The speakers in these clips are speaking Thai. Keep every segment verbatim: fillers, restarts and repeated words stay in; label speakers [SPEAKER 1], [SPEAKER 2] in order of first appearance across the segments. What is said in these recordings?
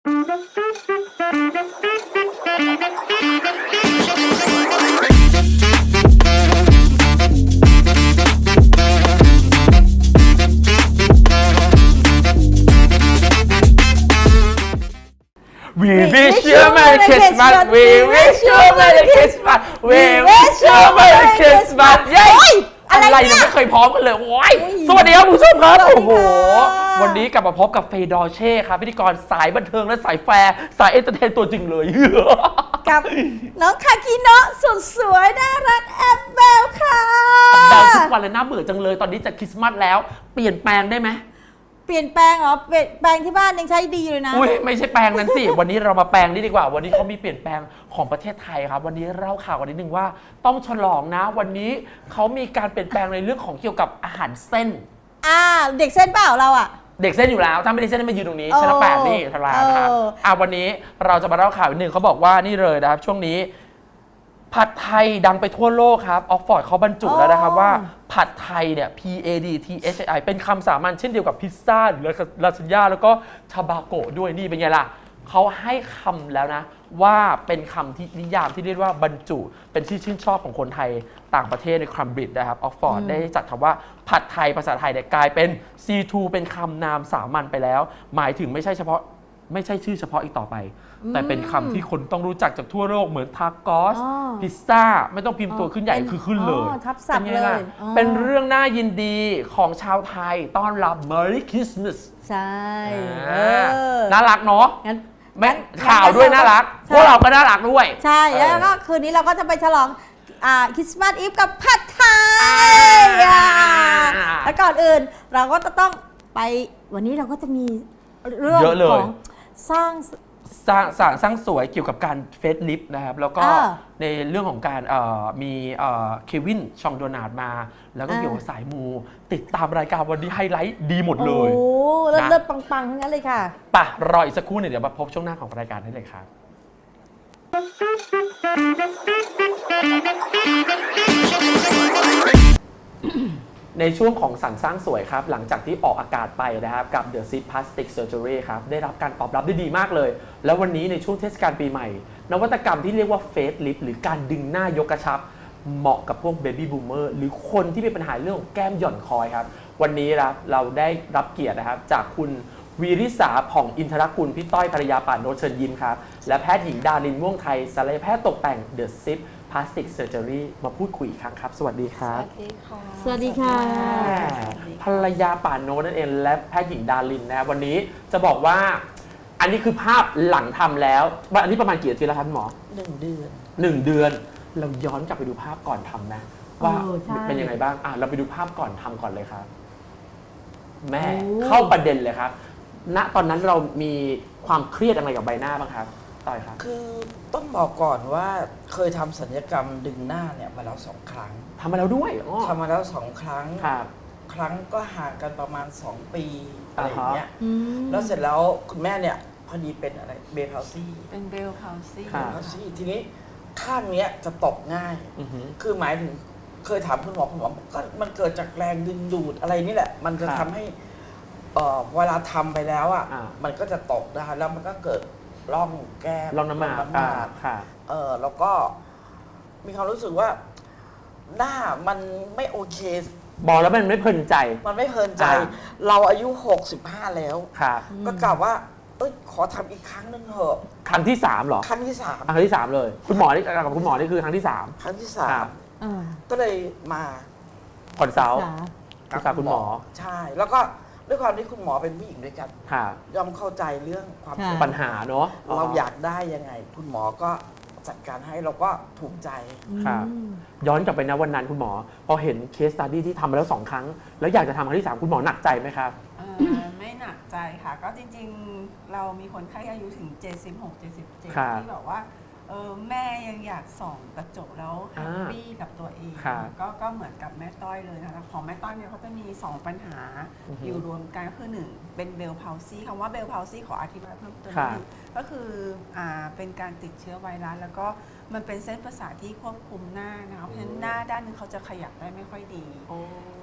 [SPEAKER 1] We wish you a Merry Christmas We wish you a Merry Christmas We wish you a Merry Christmas เย้อะไรเนี่ยไม่เคยพร้อมกันเลยโอ้ยสวัสดีครับผู้ชมครับโอ้โหวันนี้กลับมาพบกับเฟย์ดอร์เช่ครับพิธีกรสายบันเทิงและสายแฟร์สายเอนเตอร์เทนตัวจริงเลย
[SPEAKER 2] กับน้องคาคิโนะสุดสวยน่ารักแอบเบลค่ะ
[SPEAKER 1] แบลทุกวันเลยน่าเบื่อจังเลยตอนนี้จะคริสต์มาสแล้วเปลี่ยนแปลงได้ไหม
[SPEAKER 2] เปลี่ยนแปลงเหรอเปลี่ยนแปลงที่บ้านยังใช้ดีเลยนะ
[SPEAKER 1] อุ้ยไม่ใช่แปลงนั้นสิวันนี้เรามาแปลงนี่ดีกว่าวันนี้เขามีเปลี่ยนแปลงของประเทศไทยครับวันนี้เล่าข่าวกันนิดนึงว่าต้องฉลองนะวันนี้เขามีการเปลี่ยนแปลงในเรื่องของเกี่ยวกับอาหารเส้น
[SPEAKER 2] อ่าเด็กเส้นเปล่าเราอ่ะ
[SPEAKER 1] เด็กเส้นอยู่แล้วถ้าไม่ได้เส้นไม่ยืนตรงนี้ชั้นแปดนี่ทลานะครับอ่าวันนี้เราจะมาเล่าข่าวหนึ่งเขาบอกว่านี่เลยนะครับช่วงนี้ผัดไทยดังไปทั่วโลกครับออกฟอร์ดเขาบรรจุแล้วนะครับว่าผัดไทยเนี่ย P A D T H I เป็นคำสามัญเช่นเดียวกับพิซซ่าหรือลาซานญ่าแล้วก็ชาบาโกะด้วยนี่เป็นไงล่ะเขาให้คำแล้วนะว่าเป็นคำที่นิยามที่เรียกว่าบรรจุเป็นที่ชื่นชอบของคนไทยต่างประเทศในคัมบริดจ์นะครับออกฟอร์ดได้จัดคำว่าผัดไทยภาษาไทยเนี่ยกลายเป็น ซี ทู เป็นคำนามสามัญไปแล้วหมายถึงไม่ใช่เฉพาะไม่ใช่ชื่อเฉพาะอีกต่อไปแต่เป็นคำที่คนต้องรู้จักจากทั่วโลกเหมือนทาโกสพิซซ่าไม่ต้องพิมพ์ตัวขึ้นใหญ่คือขึ้นเลย
[SPEAKER 2] ทับศัพท์เลย
[SPEAKER 1] เป็นเรื่องน่ายินดีของชาวไทยต้อนรับ Merry Christmas
[SPEAKER 2] ใช่
[SPEAKER 1] น่ารักเนาะแม้ข่าวด้วยน่ารักพวกเราก็น่ารักด้วย
[SPEAKER 2] ใช่แล้วก็คืนนี้เราก็จะไปฉลองคริสต์มาสอีฟกับผัดไทยแล้วก่อนอื่นเราก็จะต้องไปวันนี้เราก็จะมีเรื่องของสร้าง
[SPEAKER 1] สร้างสร้างสร้างสวยเกี่ยวกับการเฟซลิฟต์นะครับแล้วก็ในเรื่องของการมีเควินชองโดนาร์ดมาแล้วก็เกี่ยวกับสายมูติดตามรายการวันนี้ไฮไลท์ดีหมดเลย
[SPEAKER 2] โอ้เลิศปังๆทั้งนั้นเลยค่ะ
[SPEAKER 1] ป่ะรออีกสักครู่หนึ่งเดี๋ยวมาพบช่วงหน้าของรายการได้เลยครับในช่วงของสรรสร้างสวยครับหลังจากที่ออกอากาศไปนะครับกับ The Zip Plastic Surgery ครับได้รับการตอบรับได้ดีมากเลยแล้ววันนี้ในช่วงเทศกาลปีใหม่นวัตกรรมที่เรียกว่า Face Lift หรือการดึงหน้ายกกระชับเหมาะกับพวก Baby Boomer หรือคนที่มีปัญหาเรื่องของแก้มหย่อนคอยครับวันนี้ครับเราได้รับเกียรตินะครับจากคุณวีริษาผ่องอินทรกุลพี่ต้อยภรรยาป่านโนเชิญยิ้มครับและแพทย์หญิงดารินม่วงไทยศัลยแพทย์ตกแต่ง The Zip Plastic Surgery มาพูดคุยอีกครั้งครับสวัสดีครับ
[SPEAKER 2] สวัสดีค่ะสวัสดีค่ะ
[SPEAKER 1] ภรรยาป่านโนนั่นเองและแพทย์หญิงดารินนะวันนี้จะบอกว่าอันนี้คือภาพหลังทำแล้วอันนี้ประมาณกี่อาทิตย์แล้วครับหมอ
[SPEAKER 2] หนึ่งเดือน
[SPEAKER 1] หนึ่งเดือนเราย้อนกลับไปดูภาพก่อนทำนะว่าเป็นยังไงบ้างอ่ะเราไปดูภาพก่อนทำก่อนเลยครับแม่เข้าประเด็นเลยครับณตอนนั้นเรามีความเครียดอะไรกับใบหน้าบ้างครับต่อยครับ
[SPEAKER 3] คือต้องบอกก่อนว่าเคยทำศัลยกรรมดึงหน้าเนี่ยมาแล้วสองครั้ง
[SPEAKER 1] ทำมาแล้วด้วย
[SPEAKER 3] ทำมาแล้วสองครั้งครั้งก็ห่างกันประมาณสองปีอะไรอย่างเงี้ยแล้วเสร็จแล้วคุณแม่เนี่ยพอดีเป็นอะไรเบลพาวซี่
[SPEAKER 2] เป็นเบลพาวซี่
[SPEAKER 3] เบลพาวซี่ทีนี้ข้างเนี้ยจะตกง่ายคือหมายถึงเคยถามคุณหมอคุณหมอก็มันเกิดจากแรงดึงดูดอะไรนี่แหละมันจะทำให้เวลาทำไปแล้วอ่ะมันก็จะตกได้แล้วมันก็เกิดร่องแก้ม
[SPEAKER 1] ร่องน้ำหมากค่ะ
[SPEAKER 3] เออแล้วก็มีความรู้สึกว่าหน้ามันไม่โอเค
[SPEAKER 1] บอกแล้วมันไม่เพลินใจ
[SPEAKER 3] มันไม่เพลินใจเราอายุหกสิบห้าแล้วก็กล่าวว่าเอ้ยขอทำอีกครั้งนึงเถอะ
[SPEAKER 1] ครั้งที่สามหรอ
[SPEAKER 3] ครั้งที่สาม
[SPEAKER 1] ครั้งที่สามเลยคุณหมอนี่กับคุณหมอนี่คือครั้งที่สาม
[SPEAKER 3] ครั้งที่สามก็เลยมา
[SPEAKER 1] คอนซัลท์กับคุณหมอ
[SPEAKER 3] ใช่แล้วก็ด้วยความที่คุณหมอเป็นผู้หญิงด้วยกันยอมเข้าใจเรื่องความ
[SPEAKER 1] ปัญหาเนาะ
[SPEAKER 3] เราอยากได้ยังไงคุณหมอก็จัดการให้เราก็ถูกใจ
[SPEAKER 1] ครับย้อนกลับไปนะวันนั้นคุณหมอพอเห็นเคสสตัดดี้ที่ทำมาแล้วสองครั้งแล้วอยากจะทำครั้งที่สามคุณหมอหนักใจไหมครับ
[SPEAKER 4] ไม่หนักใจค่ะก็จริงๆเรามีคนไข้อายุถึงเจ็ดสิบหก เจ็ดสิบเจ็ดที่บอกว่าเออแม่ยังอยากส่องกระจกแล้วแฮปปี้กับตัวเองก็ก็เหมือนกับแม่ต้อยเลยนะคะของแม่ต้อยเนี่ยเขาจะมีสองปัญหาอยู่รวมกันก็คือหนึ่งเป็นเบลพาวซี่คำว่าเบลพาวซี่ขออธิบายเพิ่มเติมนิดนึงก็คืออ่าเป็นการติดเชื้อไวรัสแล้วก็มันเป็นเส้นประสาทที่ควบคุมหน้านะคะเพราะฉะนั้นหน้าด้านนึงเขาจะขยับได้ไม่ค่อยดี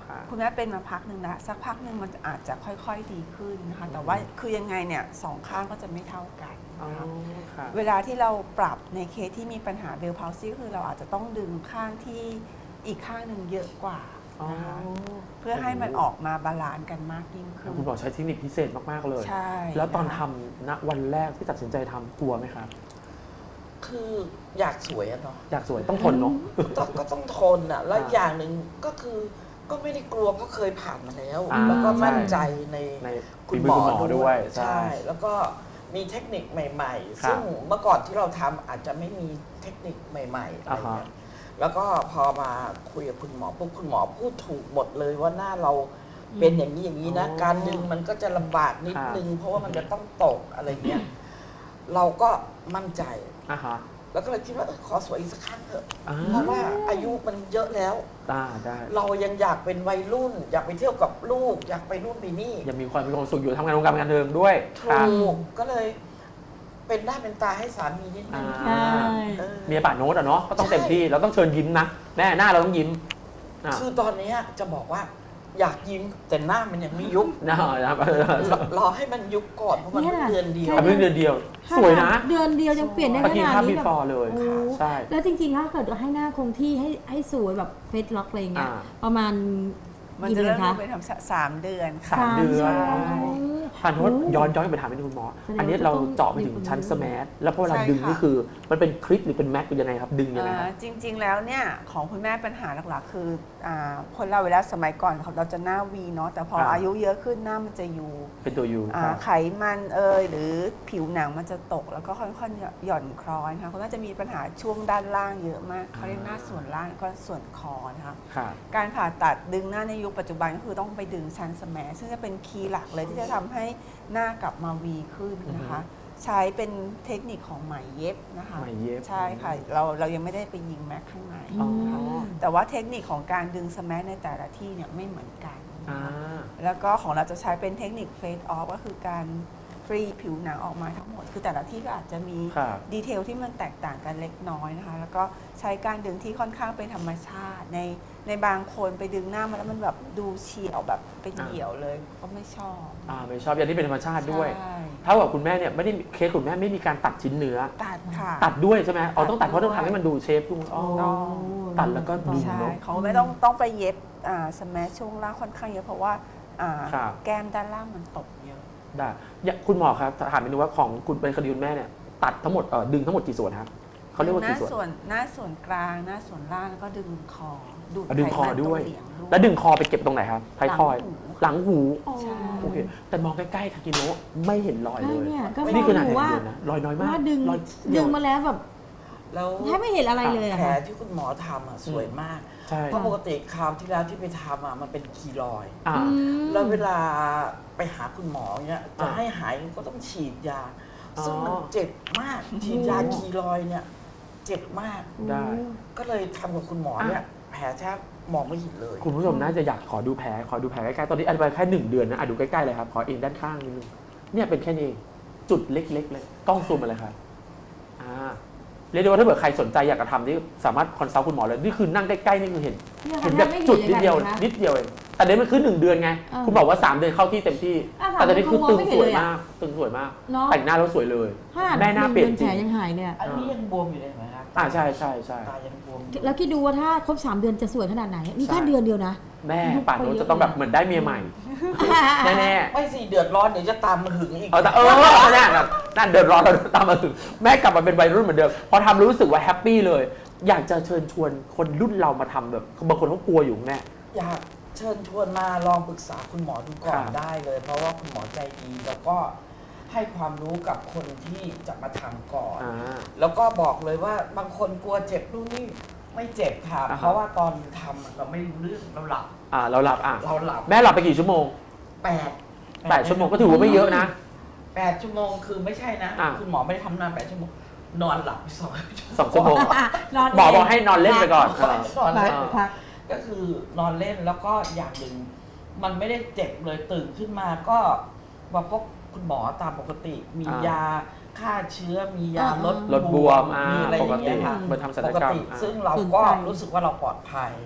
[SPEAKER 4] คุณแม่เป็นมาพักหนึ่งแล้วสักพักหนึ่งมันอาจจะค่อยๆดีขึ้นนะคะแต่ว่าคือยังไงเนี่ยสองข้างก็จะไม่เท่ากันนะคะเวลาที่เราปรับในเคสที่มีปัญหาเบลพาวซี่คือเราอาจจะต้องดึงข้างที่อีกข้างหนึ่งเยอะกว่านะคะเพื่อให้มันออกมาบาลานซ์กันมากยิ่งขึ้น
[SPEAKER 1] คุณหมอใช้เทคนิคพิเศษมากๆเลย
[SPEAKER 4] ใช่
[SPEAKER 1] แล้วตอนทำณวันแรกที่ตัดสินใจทำกลัวไหมครับ
[SPEAKER 3] คืออยากสวยอะเนาะ
[SPEAKER 1] อยากสวยต้องทนเนาะ
[SPEAKER 3] ต้องก็ต้องทนอะแล้วอย่างหนึ่งก็คือก็ไม่ได้กลัวก็เคยผ่านมาแล้วแล้วก็มั่นใจในคุณหมอด้วยใช่แล้วก็มีเทคนิคใหม่ๆซึ่งเมื่อก่อนที่เราทำอาจจะไม่มีเทคนิคใหม่ๆอะไรเงี้ยแล้วก็พอมาคุยกับคุณหมอปุ๊บคุณหมอพูดถูกหมดเลยว่าหน้าเราเป็นอย่างนี้อย่างนี้นะการดึงมันก็จะลำบากนิดนึงเพราะว่ามันจะต้องตกอะไรเงี้ยเราก็มั่นใจแล้วก็เลยคิดว่าเออขอสวยอีกสักครั้งเถอะเพราะว่าอายุมันเยอะแล้วเรายังอยากเป็นวัยรุ่นอยากไปเที่ยวกับลูกอยากไปนู่นไปนี่
[SPEAKER 1] ยังมีความมีความสุขอยู่ทำงานวงการบันเทิงด้วย
[SPEAKER 3] ถูกก็เลยเป็นหน้าเป็นตาให้สามีนิดนึง
[SPEAKER 1] เมียป่าโน้ตอะเนาะก็ต้องเต็มที่เราต้องเชิญยิ้มนะแม่หน้าเราต้องยิ้ม
[SPEAKER 3] คือตอนนี้จะบอกว่าอยากยิ้มแต่หน้ามันยังไม่ยุบ
[SPEAKER 1] นะ
[SPEAKER 3] รอให้มันยุบก่อนเพราะมันเดือนเดียว
[SPEAKER 1] เพิ่งเดือนเดียวสวยนะ
[SPEAKER 2] เดือนเดียวยังเปลี่ยนได้ขนาดนี้
[SPEAKER 1] แบบเลย
[SPEAKER 2] ใช่แล้วจริงๆถ้าเกิดให้หน้าคงที่ให้ให้สวยแบบเฟซล็อกอะไรเงี้ยประมาณ
[SPEAKER 4] มันจะเริ่มเป็นสามเดือน
[SPEAKER 1] สามเดือนผ่านโทษย้อนย้อนไปถามไปคุณหมออันนี้เราเจาะไปถึงชั้นสแมาร์ทแล้วพอเวลาดึงนี่คือมันเป็นคลิปหรือเป็นแม็กเป็นยังไงครับดึงยังไง
[SPEAKER 4] จริงๆแล้วเนี่ยของคุณแม่ปัญหาหลักๆคือคนเราเวลาสมัยก่อนเราจะหน้าวีเนาะแต่พออายุเยอะขึ้นหน้ามันจะยู
[SPEAKER 1] เป็นตัวยู
[SPEAKER 4] ไขมันเอยหรือผิวหนังมันจะตกแล้วก็ค่อยๆหย่อนคล้อยค่ะคุณแม่จะมีปัญหาช่วงด้านล่างเยอะมากเขาเรียกหน้าส่วนล่างก็ส่วนคอนะคะการผ่าตัดดึงหน้าในยุคปัจจุบันก็คือต้องไปดึงชั้นสแมาร์ซึ่งจะเป็นคีย์หลักเลยที่จะทำให้หน้ากลับมาวีขึ้นนะคะใช้เป็นเทคนิคของไหมเย็บนะคะ
[SPEAKER 1] ไหมเย็บ
[SPEAKER 4] ใช่ค่ะเราเรายังไม่ได้ไปยิงแม็กข้างในนะคะแต่ว่าเทคนิคของการดึงสแมาร์ในแต่ละที่เนี่ยไม่เหมือนกันแล้วก็ของเราจะใช้เป็นเทคนิคเฟดออฟก็คือการฟรีผิวหนังออกมาทั้งหมดคือแต่ละที่ก็อาจจะมีดีเทลที่มันแตกต่างกันเล็กน้อยนะคะแล้วก็ใช้การดึงที่ค่อนข้างเป็นธรรมชาติในในบางคนไปดึงหน้ามาแล้วมันแบบดูเฉียวแบบเป็นเหี่ยวเลยก็ไม่ชอบ
[SPEAKER 1] อ่าไม่ชอบอย่างที่เป็นธรรมชาติด้วยเท่ากับคุณแม่เนี่ยไม่ได้เคสคุณแม่ไม่มีการตัดชิ้นเนื้อ
[SPEAKER 4] ตัดค่ะ
[SPEAKER 1] ตัดด้วยใช่ไหมอ๋อต้องตัดเพราะต้องทำให้มันดูเชฟดูอ๋อตัดแล้วก็ดึง
[SPEAKER 4] เนาะเขาไม่ต้องต้องไปเย็บอ่าสแมาร์ช่วงล่างค่อนข้างเยอะเพราะว่าอ่าแก้มด้านล่างมันตกเยอะ
[SPEAKER 1] ได้คุณหมอครับถามนิดนึงว่าของคุณเป็นคดีคุณแม่เนี่ยตัดทั้งหมดดึงทั้งหมดกี่ส่วนครับเขาเรียกว่ากี่ส่วน
[SPEAKER 4] หน้าส่วนกลางหน้าส่วนล่างแล้วก็ดึงคอ
[SPEAKER 1] ดูดดึงคอด้วยแล้วดึงคอไปเก็บตรงไหนครับท้ายทอยหลังหูโอเคแต่มองใกล้ๆคากิโนะไม่เห็นรอยเลยนี่คือหนาแดงนะรอยน้อยมาก
[SPEAKER 2] ดึงดึงมาแล้วแบบแล้วแทบไม่เห็นอะไรเลย
[SPEAKER 3] แผลที่คุณหมอทำอ่ะสวยมากเพราะปกติคราวที่แล้วที่ไปทำอ่ะมันเป็นคีรอยแล้วเวลาไปหาคุณหมอเนี่ยจะให้หายก็ต้องฉีดยาซึ่งมันเจ็บมากฉีดยาคีรอยเนี่ยเจ็บมาก
[SPEAKER 1] ได้
[SPEAKER 3] ก็เลยทำกับคุณหมอเนี่ยแผลแทบมองไม่เห็นเลย
[SPEAKER 1] คุณผู้ชมน่าจะอยากขอดูแผลขอดูแผลใกล้ๆตอนนี้อันไปแค่หนึ่งเดือนนะอ่ะดูใกล้ๆเลยครับขอเองด้านข้างนิดนึงเนี่ยเป็นแค่นี้จุดเล็กๆเลยกล้องซูมมาเลยครับอ่าเรียกได้ว่าถ้าเกิดใครสนใจอยากจะทำนี่สามารถคอนซัลท์คุณหมอเลยนี่คือนั่งใกล้ๆนี่คือเห็นเห็นแบบจุดนิดเดียวนิดเดียวเองแต่เดี๋ยวมันคือหนึ่งเดือนไงคุณบอกว่าสามเดือนเข้าที่เต็มที่แต่ตอนนี้คือตึงสวยมากตึงสวยมากแต่งหน้าแล้วสวยเลยแม่หน้าเปลี่ยนจริง
[SPEAKER 2] ยังหายเนี่ย
[SPEAKER 3] อันนี้ยังบวมอยู่เลยไหมครับ
[SPEAKER 1] อ่าใช่ใช่ใช่
[SPEAKER 3] ตายังบวม
[SPEAKER 2] แล้วคิดดูว่าถ้าครบสามเดือนจะสวยขนาดไหนนี่แค่เดือนเดียวนะ
[SPEAKER 1] แม่ป่านนู้นจะต้องแบบเหมือนได้เมียใหม่แน่
[SPEAKER 3] ๆไม่สิเดือดร้อนเดี๋ยวจะตามมาหึงอีก
[SPEAKER 1] เออแต่เออแน่แบบนั่นเดือดร้อนเราตามมาหึงแม่กลับมาเป็นวัยรุ่นเหมือนเดิมพอทำรู้สึกว่าแฮปปี้เลยอยากจะเชิญชวนคนรุ่นเรามาทำแบบบางคนเขากลัวอยู่แม่
[SPEAKER 3] อยากเชิญชวนมาลองปรึกษาคุณหมอดูก่อนได้เลยเพราะว่าคุณหมอใจดีแล้วก็ให้ความรู้กับคนที่จะมาทำก่อนแล้วก็บอกเลยว่าบางคนกลัวเจ็บนู่นนี่ไม่เจ็บค่ะเพราะว่าตอนทำเราไม่รู้เรื่องเราหลับ
[SPEAKER 1] อ่าเราหลับอ่ะ
[SPEAKER 3] เราหลับ
[SPEAKER 1] แม่หลับไปกี่ชั่วโมง
[SPEAKER 3] แปด
[SPEAKER 1] แปดชั่วโมงก็ถือว่าไม่เยอะนะ
[SPEAKER 3] แปดชั่วโมงคือไม่ใช่นะคุณหมอไม่ได้ทำนานแปดชั่วโมงนอนหลับสอง
[SPEAKER 1] สองชั่วโมงหมอบอกให้นอนเล่นไปก่อน
[SPEAKER 3] นอนเล่นก็คือนอนเล่นแล้วก็อย่างหนึ่งมันไม่ได้เจ็บเลยตื่นขึ้นมาก็มาพบคุณหมอตามปกติมียาฆ่าเชื้อมียาลด
[SPEAKER 1] ลดบวม
[SPEAKER 3] มีอะไรอย่างเงี้ยค่ะ
[SPEAKER 1] มาทำศัลยกรรม
[SPEAKER 3] ซึ่งเราก็รู้สึกว่าเราปลอดภัย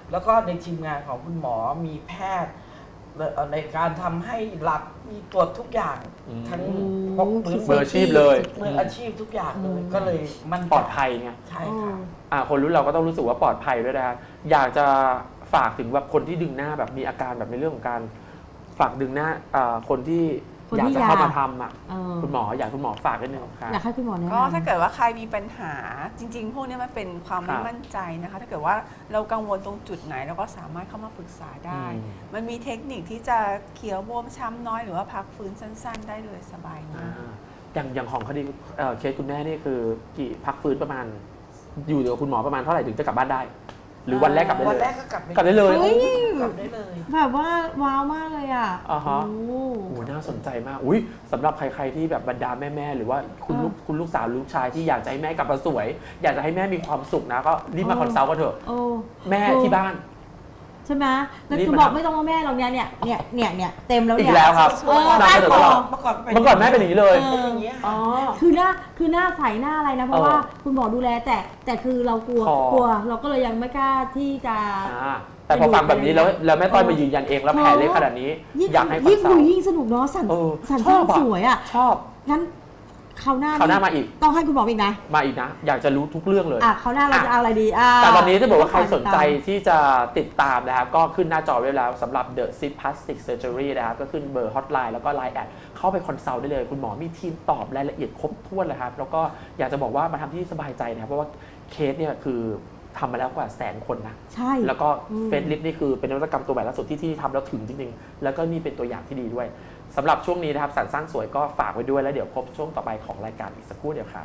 [SPEAKER 3] แล้วก็ในทีมงานของคุณหมอมีแพทย์ในการทำให้หลับมีตรวจทุกอย่าง ทั้งพก
[SPEAKER 1] มืออาชีพเลย
[SPEAKER 3] มืออาชีพทุกอย่างเลยก็เลยมัน
[SPEAKER 1] ปลอดภัยไง
[SPEAKER 3] ใช่ค่ะ
[SPEAKER 1] อ่าคนรุ่นเราก็ต้องรู้สึกว่าปลอดภัยด้วยนะครับอยากจะฝากถึงแบบคนที่ดึงหน้าแบบมีอาการแบบในเรื่องของการฝากดึงหน้าอ่าคนที่
[SPEAKER 2] คน
[SPEAKER 1] อยาก
[SPEAKER 2] ที่
[SPEAKER 1] จะ
[SPEAKER 2] อยาก
[SPEAKER 1] เข้ามาทำอ่ะ
[SPEAKER 2] เออ
[SPEAKER 1] คุณหมออยากคุณหมอฝากนิดนึงครับ
[SPEAKER 2] อยากให้คุณหมอแนะนำ
[SPEAKER 4] ก็ถ้าเกิดว่าใครมีปัญหาจริง ๆ พวกนี้มันเป็นความ
[SPEAKER 1] ครั
[SPEAKER 4] ไม่
[SPEAKER 1] บ
[SPEAKER 4] มั่นใจนะคะ ถ้าเกิดว่าเรากังวลตรงจุดไหนเราก็สามารถเข้ามาปรึกษาได้
[SPEAKER 1] อืม
[SPEAKER 4] มันมีเทคนิคที่จะเขียวบวมช้ำน้อยหรือว่าพักฟื้นสั้น ๆ ได้เลยสบายมาก
[SPEAKER 1] อย่างอย่างของคดีเอ่อเคสคุณแม่นี่คือกี่พักฟื้นประมาณ อยู่กับคุณหมอประมาณเท่าไหร่ถึงจะกลับบ้านได้ หรือวันแรกกลับได้
[SPEAKER 3] วัน
[SPEAKER 1] เล
[SPEAKER 3] แร
[SPEAKER 1] ย
[SPEAKER 3] กก็กลับ
[SPEAKER 1] กลับได้เลย
[SPEAKER 2] เฮ้ย
[SPEAKER 3] กลับได้เลย
[SPEAKER 2] แบบว่าว้าวมากเลยอ่ะ
[SPEAKER 1] อ่าฮะ
[SPEAKER 2] โอ้
[SPEAKER 1] โอ้น่าสนใจมาก อุ้ยสำหรับใครๆที่แบบบรรดาแม่ๆหรือว่าคุณลูกคุณลูกสาวลูกชายที่อยากจะให้แม่กลับมาสวย อยากจะให้แม่มีความสุขนะก็รีบมาคอนซัลท์กันเถอะ
[SPEAKER 2] โอ้
[SPEAKER 1] แม่ที่บ้าน
[SPEAKER 2] ใช่ไหมแล้ว
[SPEAKER 1] รีบ
[SPEAKER 2] คือ
[SPEAKER 1] มา
[SPEAKER 2] บอก
[SPEAKER 1] ทำ
[SPEAKER 2] ไม่ต้องว่าแม่หรอกเนี่ยเนี่ยเนี่ยเนี่ยเนี่ยเต็มแล้ว
[SPEAKER 1] อี
[SPEAKER 2] เนี่
[SPEAKER 1] ก
[SPEAKER 2] ย
[SPEAKER 1] แล้วครับ
[SPEAKER 2] เออ
[SPEAKER 1] นำเสนอตลอด
[SPEAKER 3] เมื่อก่อนเป็น
[SPEAKER 1] เมื่อก่อนแม่เป็นอย่างนี้เลย
[SPEAKER 2] เอ
[SPEAKER 3] เป็นอย่างเงี้ย
[SPEAKER 1] อ๋อ
[SPEAKER 2] คือหน้าคือหน้าใสหน้าอะไรนะ เพราะ
[SPEAKER 1] เออ
[SPEAKER 2] ว่าคุณหมอดูแลแต่แต่คือเรากลัว
[SPEAKER 1] คอก
[SPEAKER 2] ลัว เราก็เลยยังไม่กล้าที่จะ
[SPEAKER 1] อ่าแต่พอฟังแบบนี้แล้วแล้วแม่ต้อยมายืนยันเองแล้วแผลเล็กขนาดนี้
[SPEAKER 2] ยิ่ง
[SPEAKER 1] อยากให้คอน
[SPEAKER 2] ยิ่ง
[SPEAKER 1] ซั
[SPEAKER 2] ดู
[SPEAKER 1] ลท์
[SPEAKER 2] ยิ่งสนุกเนาะสัน
[SPEAKER 1] เออ
[SPEAKER 2] สัน
[SPEAKER 1] ชอบอะ
[SPEAKER 2] สวยอ่ะ
[SPEAKER 1] ชอบ
[SPEAKER 2] งั้นคราวหน้า
[SPEAKER 1] คราวหน้ามาอีก
[SPEAKER 2] ต้องให้คุณหมออีกนะ
[SPEAKER 1] มาอีกนะ อยากจะรู้ทุกเรื่องเลย
[SPEAKER 2] อ่ะคราวหน้าเราจะเอาอะไรดีอ่ะ
[SPEAKER 1] แต่ตอนนี้ถ้าบอกว่าใครสนใจ
[SPEAKER 2] ติดตาม
[SPEAKER 1] ที่จะติดตามนะครับ ก็ขึ้นหน้าจอไว้แล้วสำหรับ The Zip Plastic Surgery นะครับ ก็ขึ้นเบอร์ฮอตไลน์แล้วก็ ไลน์ แอดเข้าไปคอนซัลท์ได้เลย คุณหมอมีทีมตอบรายละเอียดครบถ้วนเลยครับ แล้วก็อยากจะบอกว่ามาทำที่สบายใจนะครับเพราะว่าเคสเนี่ยคือทำมาแล้วกว่าแสนคนนะ
[SPEAKER 2] ใช่
[SPEAKER 1] แล้วก็
[SPEAKER 2] อืม
[SPEAKER 1] เฟซลิฟนี่คือเป็นนวัตกรรมตัวใหม่ล่าสุดที่ที่ทำแล้วถึงจริงๆ แล้วก็นี่เป็นตัวอย่างที่ดีด้วยสำหรับช่วงนี้นะครับสรรสร้างสวยก็ฝากไว้ด้วยแล้วเดี๋ยวพบช่วงต่อไปของรายการอีกสักครู่เดียวครับ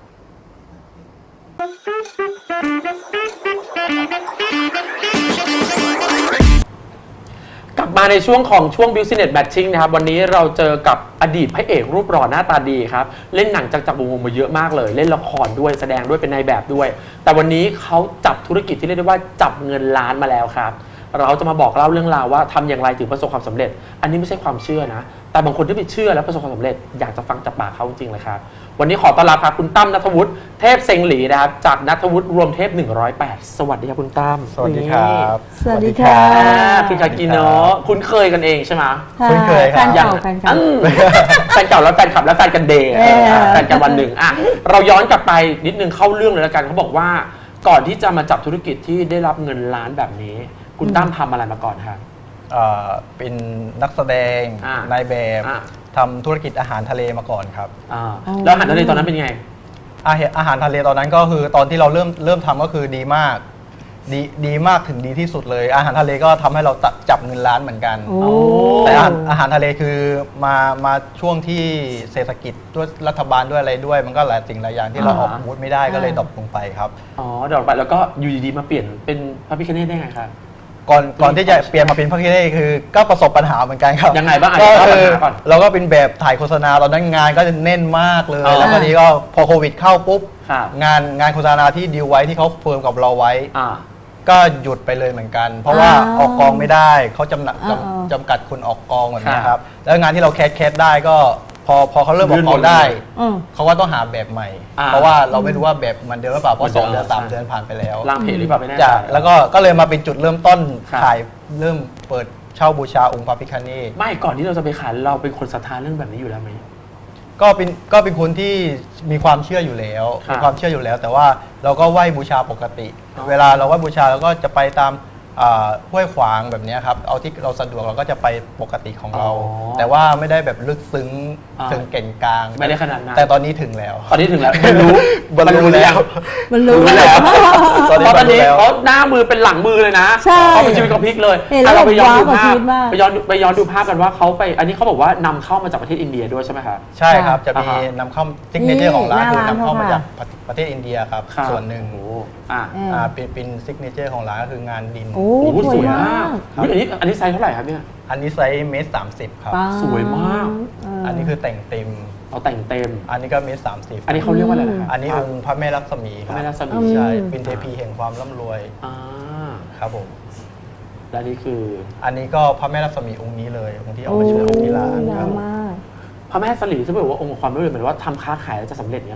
[SPEAKER 1] กลับมาในช่วงของช่วง Business Matching นะครับวันนี้เราเจอกับอดีตพระเอกรูปหล่อหน้าตาดีครับเล่นหนังจากจักรวงศ์มาเยอะมากเลยเล่นละครด้วยแสดงด้วยเป็นนายแบบด้วย แต่วันนี้เขาจับธุรกิจที่เรียกได้ว่าจับเงินล้านมาแล้วครับเราจะมาบอกเล่าเรื่องราวว่าทำอย่างไรถึงประสบความสำเร็จ อันนี้ไม่ใช่ความเชื่อนะแต่บางคนที่ไปเชื่อแล้วประสบความสำเร็จอยากจะฟังจากปากเขาจริงๆเลยครับวันนี้ขอต้อนรับครับคุณตั้มณัฐวุฒิเทพเซ็งหลีนะครับจากณัฐวุฒิรวมเทพหนึ่งร้อยแปดสวัสดีครับคุณตั้ม
[SPEAKER 5] สวัสดีครับ
[SPEAKER 2] สวัสดีค่ะ
[SPEAKER 1] อ่าคุณคากิโนะคุ้นเคยกันเองใช่ไหม
[SPEAKER 5] คุ้นเคยครับ
[SPEAKER 2] แฟนเก่าแฟนเก่า
[SPEAKER 1] อืมแฟนเก่าแล้วแฟนคลับแล้วแฟนกันเดย์
[SPEAKER 2] เออ
[SPEAKER 1] แฟนกันวันหนึ่งอ่ะเราย้อนกลับไปนิดนึงเข้าเรื่องเลยละกันเขาบอกว่าก่อนที่จะมาจับธุรกิจที่ได้รับเงินล้านแบบนี้ คุณตั้มทำอะไรมาก่อนครับ
[SPEAKER 5] เอ่อเป็นนักแสดง
[SPEAKER 1] อ่าน
[SPEAKER 5] นายแบบ
[SPEAKER 1] อ่า
[SPEAKER 5] ทำธุรกิจอาหารทะเลมาก่อนครับ
[SPEAKER 1] อ่าแล้วอาหารทะเลตอนนั้นเป็นไง
[SPEAKER 5] อาหารอาหารทะเลตอนนั้นก็คือตอนที่เราเริ่มเริ่มทำก็คือดีมากดีดีมากถึงดีที่สุดเลย อาหารทะเลก็ทำให้เราจับจับเงินล้านเหมือนกัน
[SPEAKER 2] โอ้
[SPEAKER 5] แต่อาหารอาหารทะเลคือมามาช่วงที่เศรษฐกิจด้วยรัฐบาลด้วยอะไรด้วย มันก็หลายสิ่งหลายอย่างที่เรา
[SPEAKER 1] อ่า
[SPEAKER 5] ออกบูธไม่ได้ก็เลยดรอปลงไปครับ
[SPEAKER 1] อ๋อเดี๋ยวไปแล้วก็อยู่ดีๆมาเปลี่ยนเป็นพระพิฆเนศได้ไงครับ
[SPEAKER 5] ก่อนก่อนที่จะเปลี่ยนมาเป็นพระคิเล่คือก็ประสบปัญหาเหมือนกันครับ
[SPEAKER 1] ยังไงบ้างอ่ะ
[SPEAKER 5] ก็
[SPEAKER 1] เล่าปัญ
[SPEAKER 5] คือ
[SPEAKER 1] หาก่อน
[SPEAKER 5] เราก็เป็นแบบถ่ายโฆษณาตอนนั้นงานก็จะแน่นมากเลย
[SPEAKER 1] อ๋อ
[SPEAKER 5] แล้วก็นี้ก็พอโควิดเข้าปุ๊บ
[SPEAKER 1] ครับ
[SPEAKER 5] งานงานโฆษณาที่ดีลไว้ที่เขาเฟิร์มกับเราไว้
[SPEAKER 1] อ่า
[SPEAKER 5] ก็หยุดไปเลยเหมือนกัน เพราะว่า
[SPEAKER 2] อ่า
[SPEAKER 5] ออกกองไม่ได้เขาจำหนัก
[SPEAKER 2] อ่า
[SPEAKER 5] จำจำกัดคนออกกองแบบนี้
[SPEAKER 1] ค
[SPEAKER 5] ค
[SPEAKER 1] รั
[SPEAKER 5] รับ บแล้วงานที่เราแคสแคสได้ก็พอพอเขาเริ่มออกกองได้
[SPEAKER 2] อืม
[SPEAKER 5] เขาก็ต้องหาแบบใหม่
[SPEAKER 1] อ่า
[SPEAKER 5] เพราะว่าเราไม่รู้ว่าแบบมันเดิมหรือเปล่าเพราะสอง
[SPEAKER 1] เหมื
[SPEAKER 5] เดื
[SPEAKER 1] อ
[SPEAKER 5] อน น
[SPEAKER 1] เดิม
[SPEAKER 5] สามเดือนผ่านไปแล้ว
[SPEAKER 1] ล่างเพจหรือเปล่าไม่แน่ใจ
[SPEAKER 5] จ้ะแล้วก็ก็เลยมาเป็นจุดเริ่มต้น
[SPEAKER 1] ครับ
[SPEAKER 5] ขายเริ่มเปิดเช่าบูชาองค์พระพิฆเนศ
[SPEAKER 1] ไม่ก่อนที่เราจะไปขายเราเป็นคนศรัทธาเรื่องแบบนี้อยู่แล้วไหม
[SPEAKER 5] ก็เป็นก็เป็นคนที่มีความเชื่ออยู่แล้ว
[SPEAKER 1] ครับ
[SPEAKER 5] มีความเชื่ออยู่แล้ว แต่ว่าเราก็ไหว้บูชาปกติ
[SPEAKER 1] อ๋อ
[SPEAKER 5] เวลาเราไหว้บูชาเราก็จะไปตามอ่าห้วยขวางแบบเนี้ยครับเอาที่เราสะดวกเราก็จะไปปกติของเรา
[SPEAKER 1] อ๋อ
[SPEAKER 5] แต่ว่าไม่ได้แบบลึกซึ้ง
[SPEAKER 1] อ่า
[SPEAKER 5] ถึงเก่งกลาง
[SPEAKER 1] ไม่ได้ขนาดนั้น
[SPEAKER 5] แต่ตอนนี้ถึงแล้ว
[SPEAKER 1] ตอนนี้ถึงแล้วบรรลุ
[SPEAKER 5] บรรลุแล้ว
[SPEAKER 2] มันรู้
[SPEAKER 1] รู้แล้ว
[SPEAKER 5] ตอนนี้
[SPEAKER 1] เพราะตอนนี้
[SPEAKER 5] บรรลุแล้ว
[SPEAKER 1] เขาหน้ามือเป็นหลังมือเลยนะ
[SPEAKER 2] ใช่
[SPEAKER 1] เขาเป็นชีวิตเขาพลิกเลย
[SPEAKER 2] เห็นแล้ว
[SPEAKER 1] อ่ะเราไปย้อนดู
[SPEAKER 2] ว้าวกับ
[SPEAKER 1] ภา
[SPEAKER 2] ชี
[SPEAKER 1] พ
[SPEAKER 2] วิตมาก
[SPEAKER 1] ไปย้อนดูไปย้อนดูภาพกันว่าเขาไป อันนี้เขาบอกว่านำเข้ามาจากประเทศอินเดียด้วยใช่ไหมครับ
[SPEAKER 5] ใช่ครับจะมี
[SPEAKER 1] อ่าฮะ
[SPEAKER 5] นำเข้าซิกเนเจอร์ของร้าน
[SPEAKER 2] นี่
[SPEAKER 5] คือ
[SPEAKER 2] หน้าร้าน
[SPEAKER 5] นำเข้ามา
[SPEAKER 2] เขาค่ะ
[SPEAKER 5] จากประเทศอินเดียครับ
[SPEAKER 1] ครับ
[SPEAKER 5] ส่วนหนึ่ง
[SPEAKER 1] โอ้โหอ่ะ
[SPEAKER 2] เออ
[SPEAKER 5] อ่าเป็นเป็นซิกเนเจอร์ของร้านก็คืองานดิน
[SPEAKER 2] โอ้
[SPEAKER 1] โอ้โห
[SPEAKER 2] ส
[SPEAKER 1] ส
[SPEAKER 2] ว
[SPEAKER 1] วย ย
[SPEAKER 2] มาม
[SPEAKER 1] าก กอุ๊ยอันนี้อันนี้ไซส์เท่าไหร่ครับเนี่ย
[SPEAKER 5] อันนี้ไซส์เมตรสามสิบครับ
[SPEAKER 2] ป๊า
[SPEAKER 1] สวยมาก
[SPEAKER 2] เ
[SPEAKER 5] อันนี้คือแต่งเต็ม
[SPEAKER 1] เอาแต่งเต็ม
[SPEAKER 5] อันนี้ก็เมตรสามสิบ
[SPEAKER 1] อันนี้เขาเรียกว่าอะไรนะครับ
[SPEAKER 5] อันนี้องค์พระแม่ลักษมี
[SPEAKER 1] พ
[SPEAKER 5] ค
[SPEAKER 1] ระ
[SPEAKER 5] รับ
[SPEAKER 1] แม่รัศมี
[SPEAKER 5] ใช่
[SPEAKER 2] อืม
[SPEAKER 5] เป็นเทพีแห่งความร่ำรวย
[SPEAKER 1] อ่า
[SPEAKER 5] ครับผม
[SPEAKER 1] และนี่คือ
[SPEAKER 5] อันนี้ก็พระแม่ลักษมีองค์นี้เลยองค์ที่เอามาโชว์ที่ร้าน
[SPEAKER 2] โอ้
[SPEAKER 5] ครับ
[SPEAKER 2] มาก
[SPEAKER 1] พระแม่สลีที่บอกว่าองค์ความรู้เลยเหมือนว่าทำค้าขายแล้วจะสำเร็จเนี่ยหรอ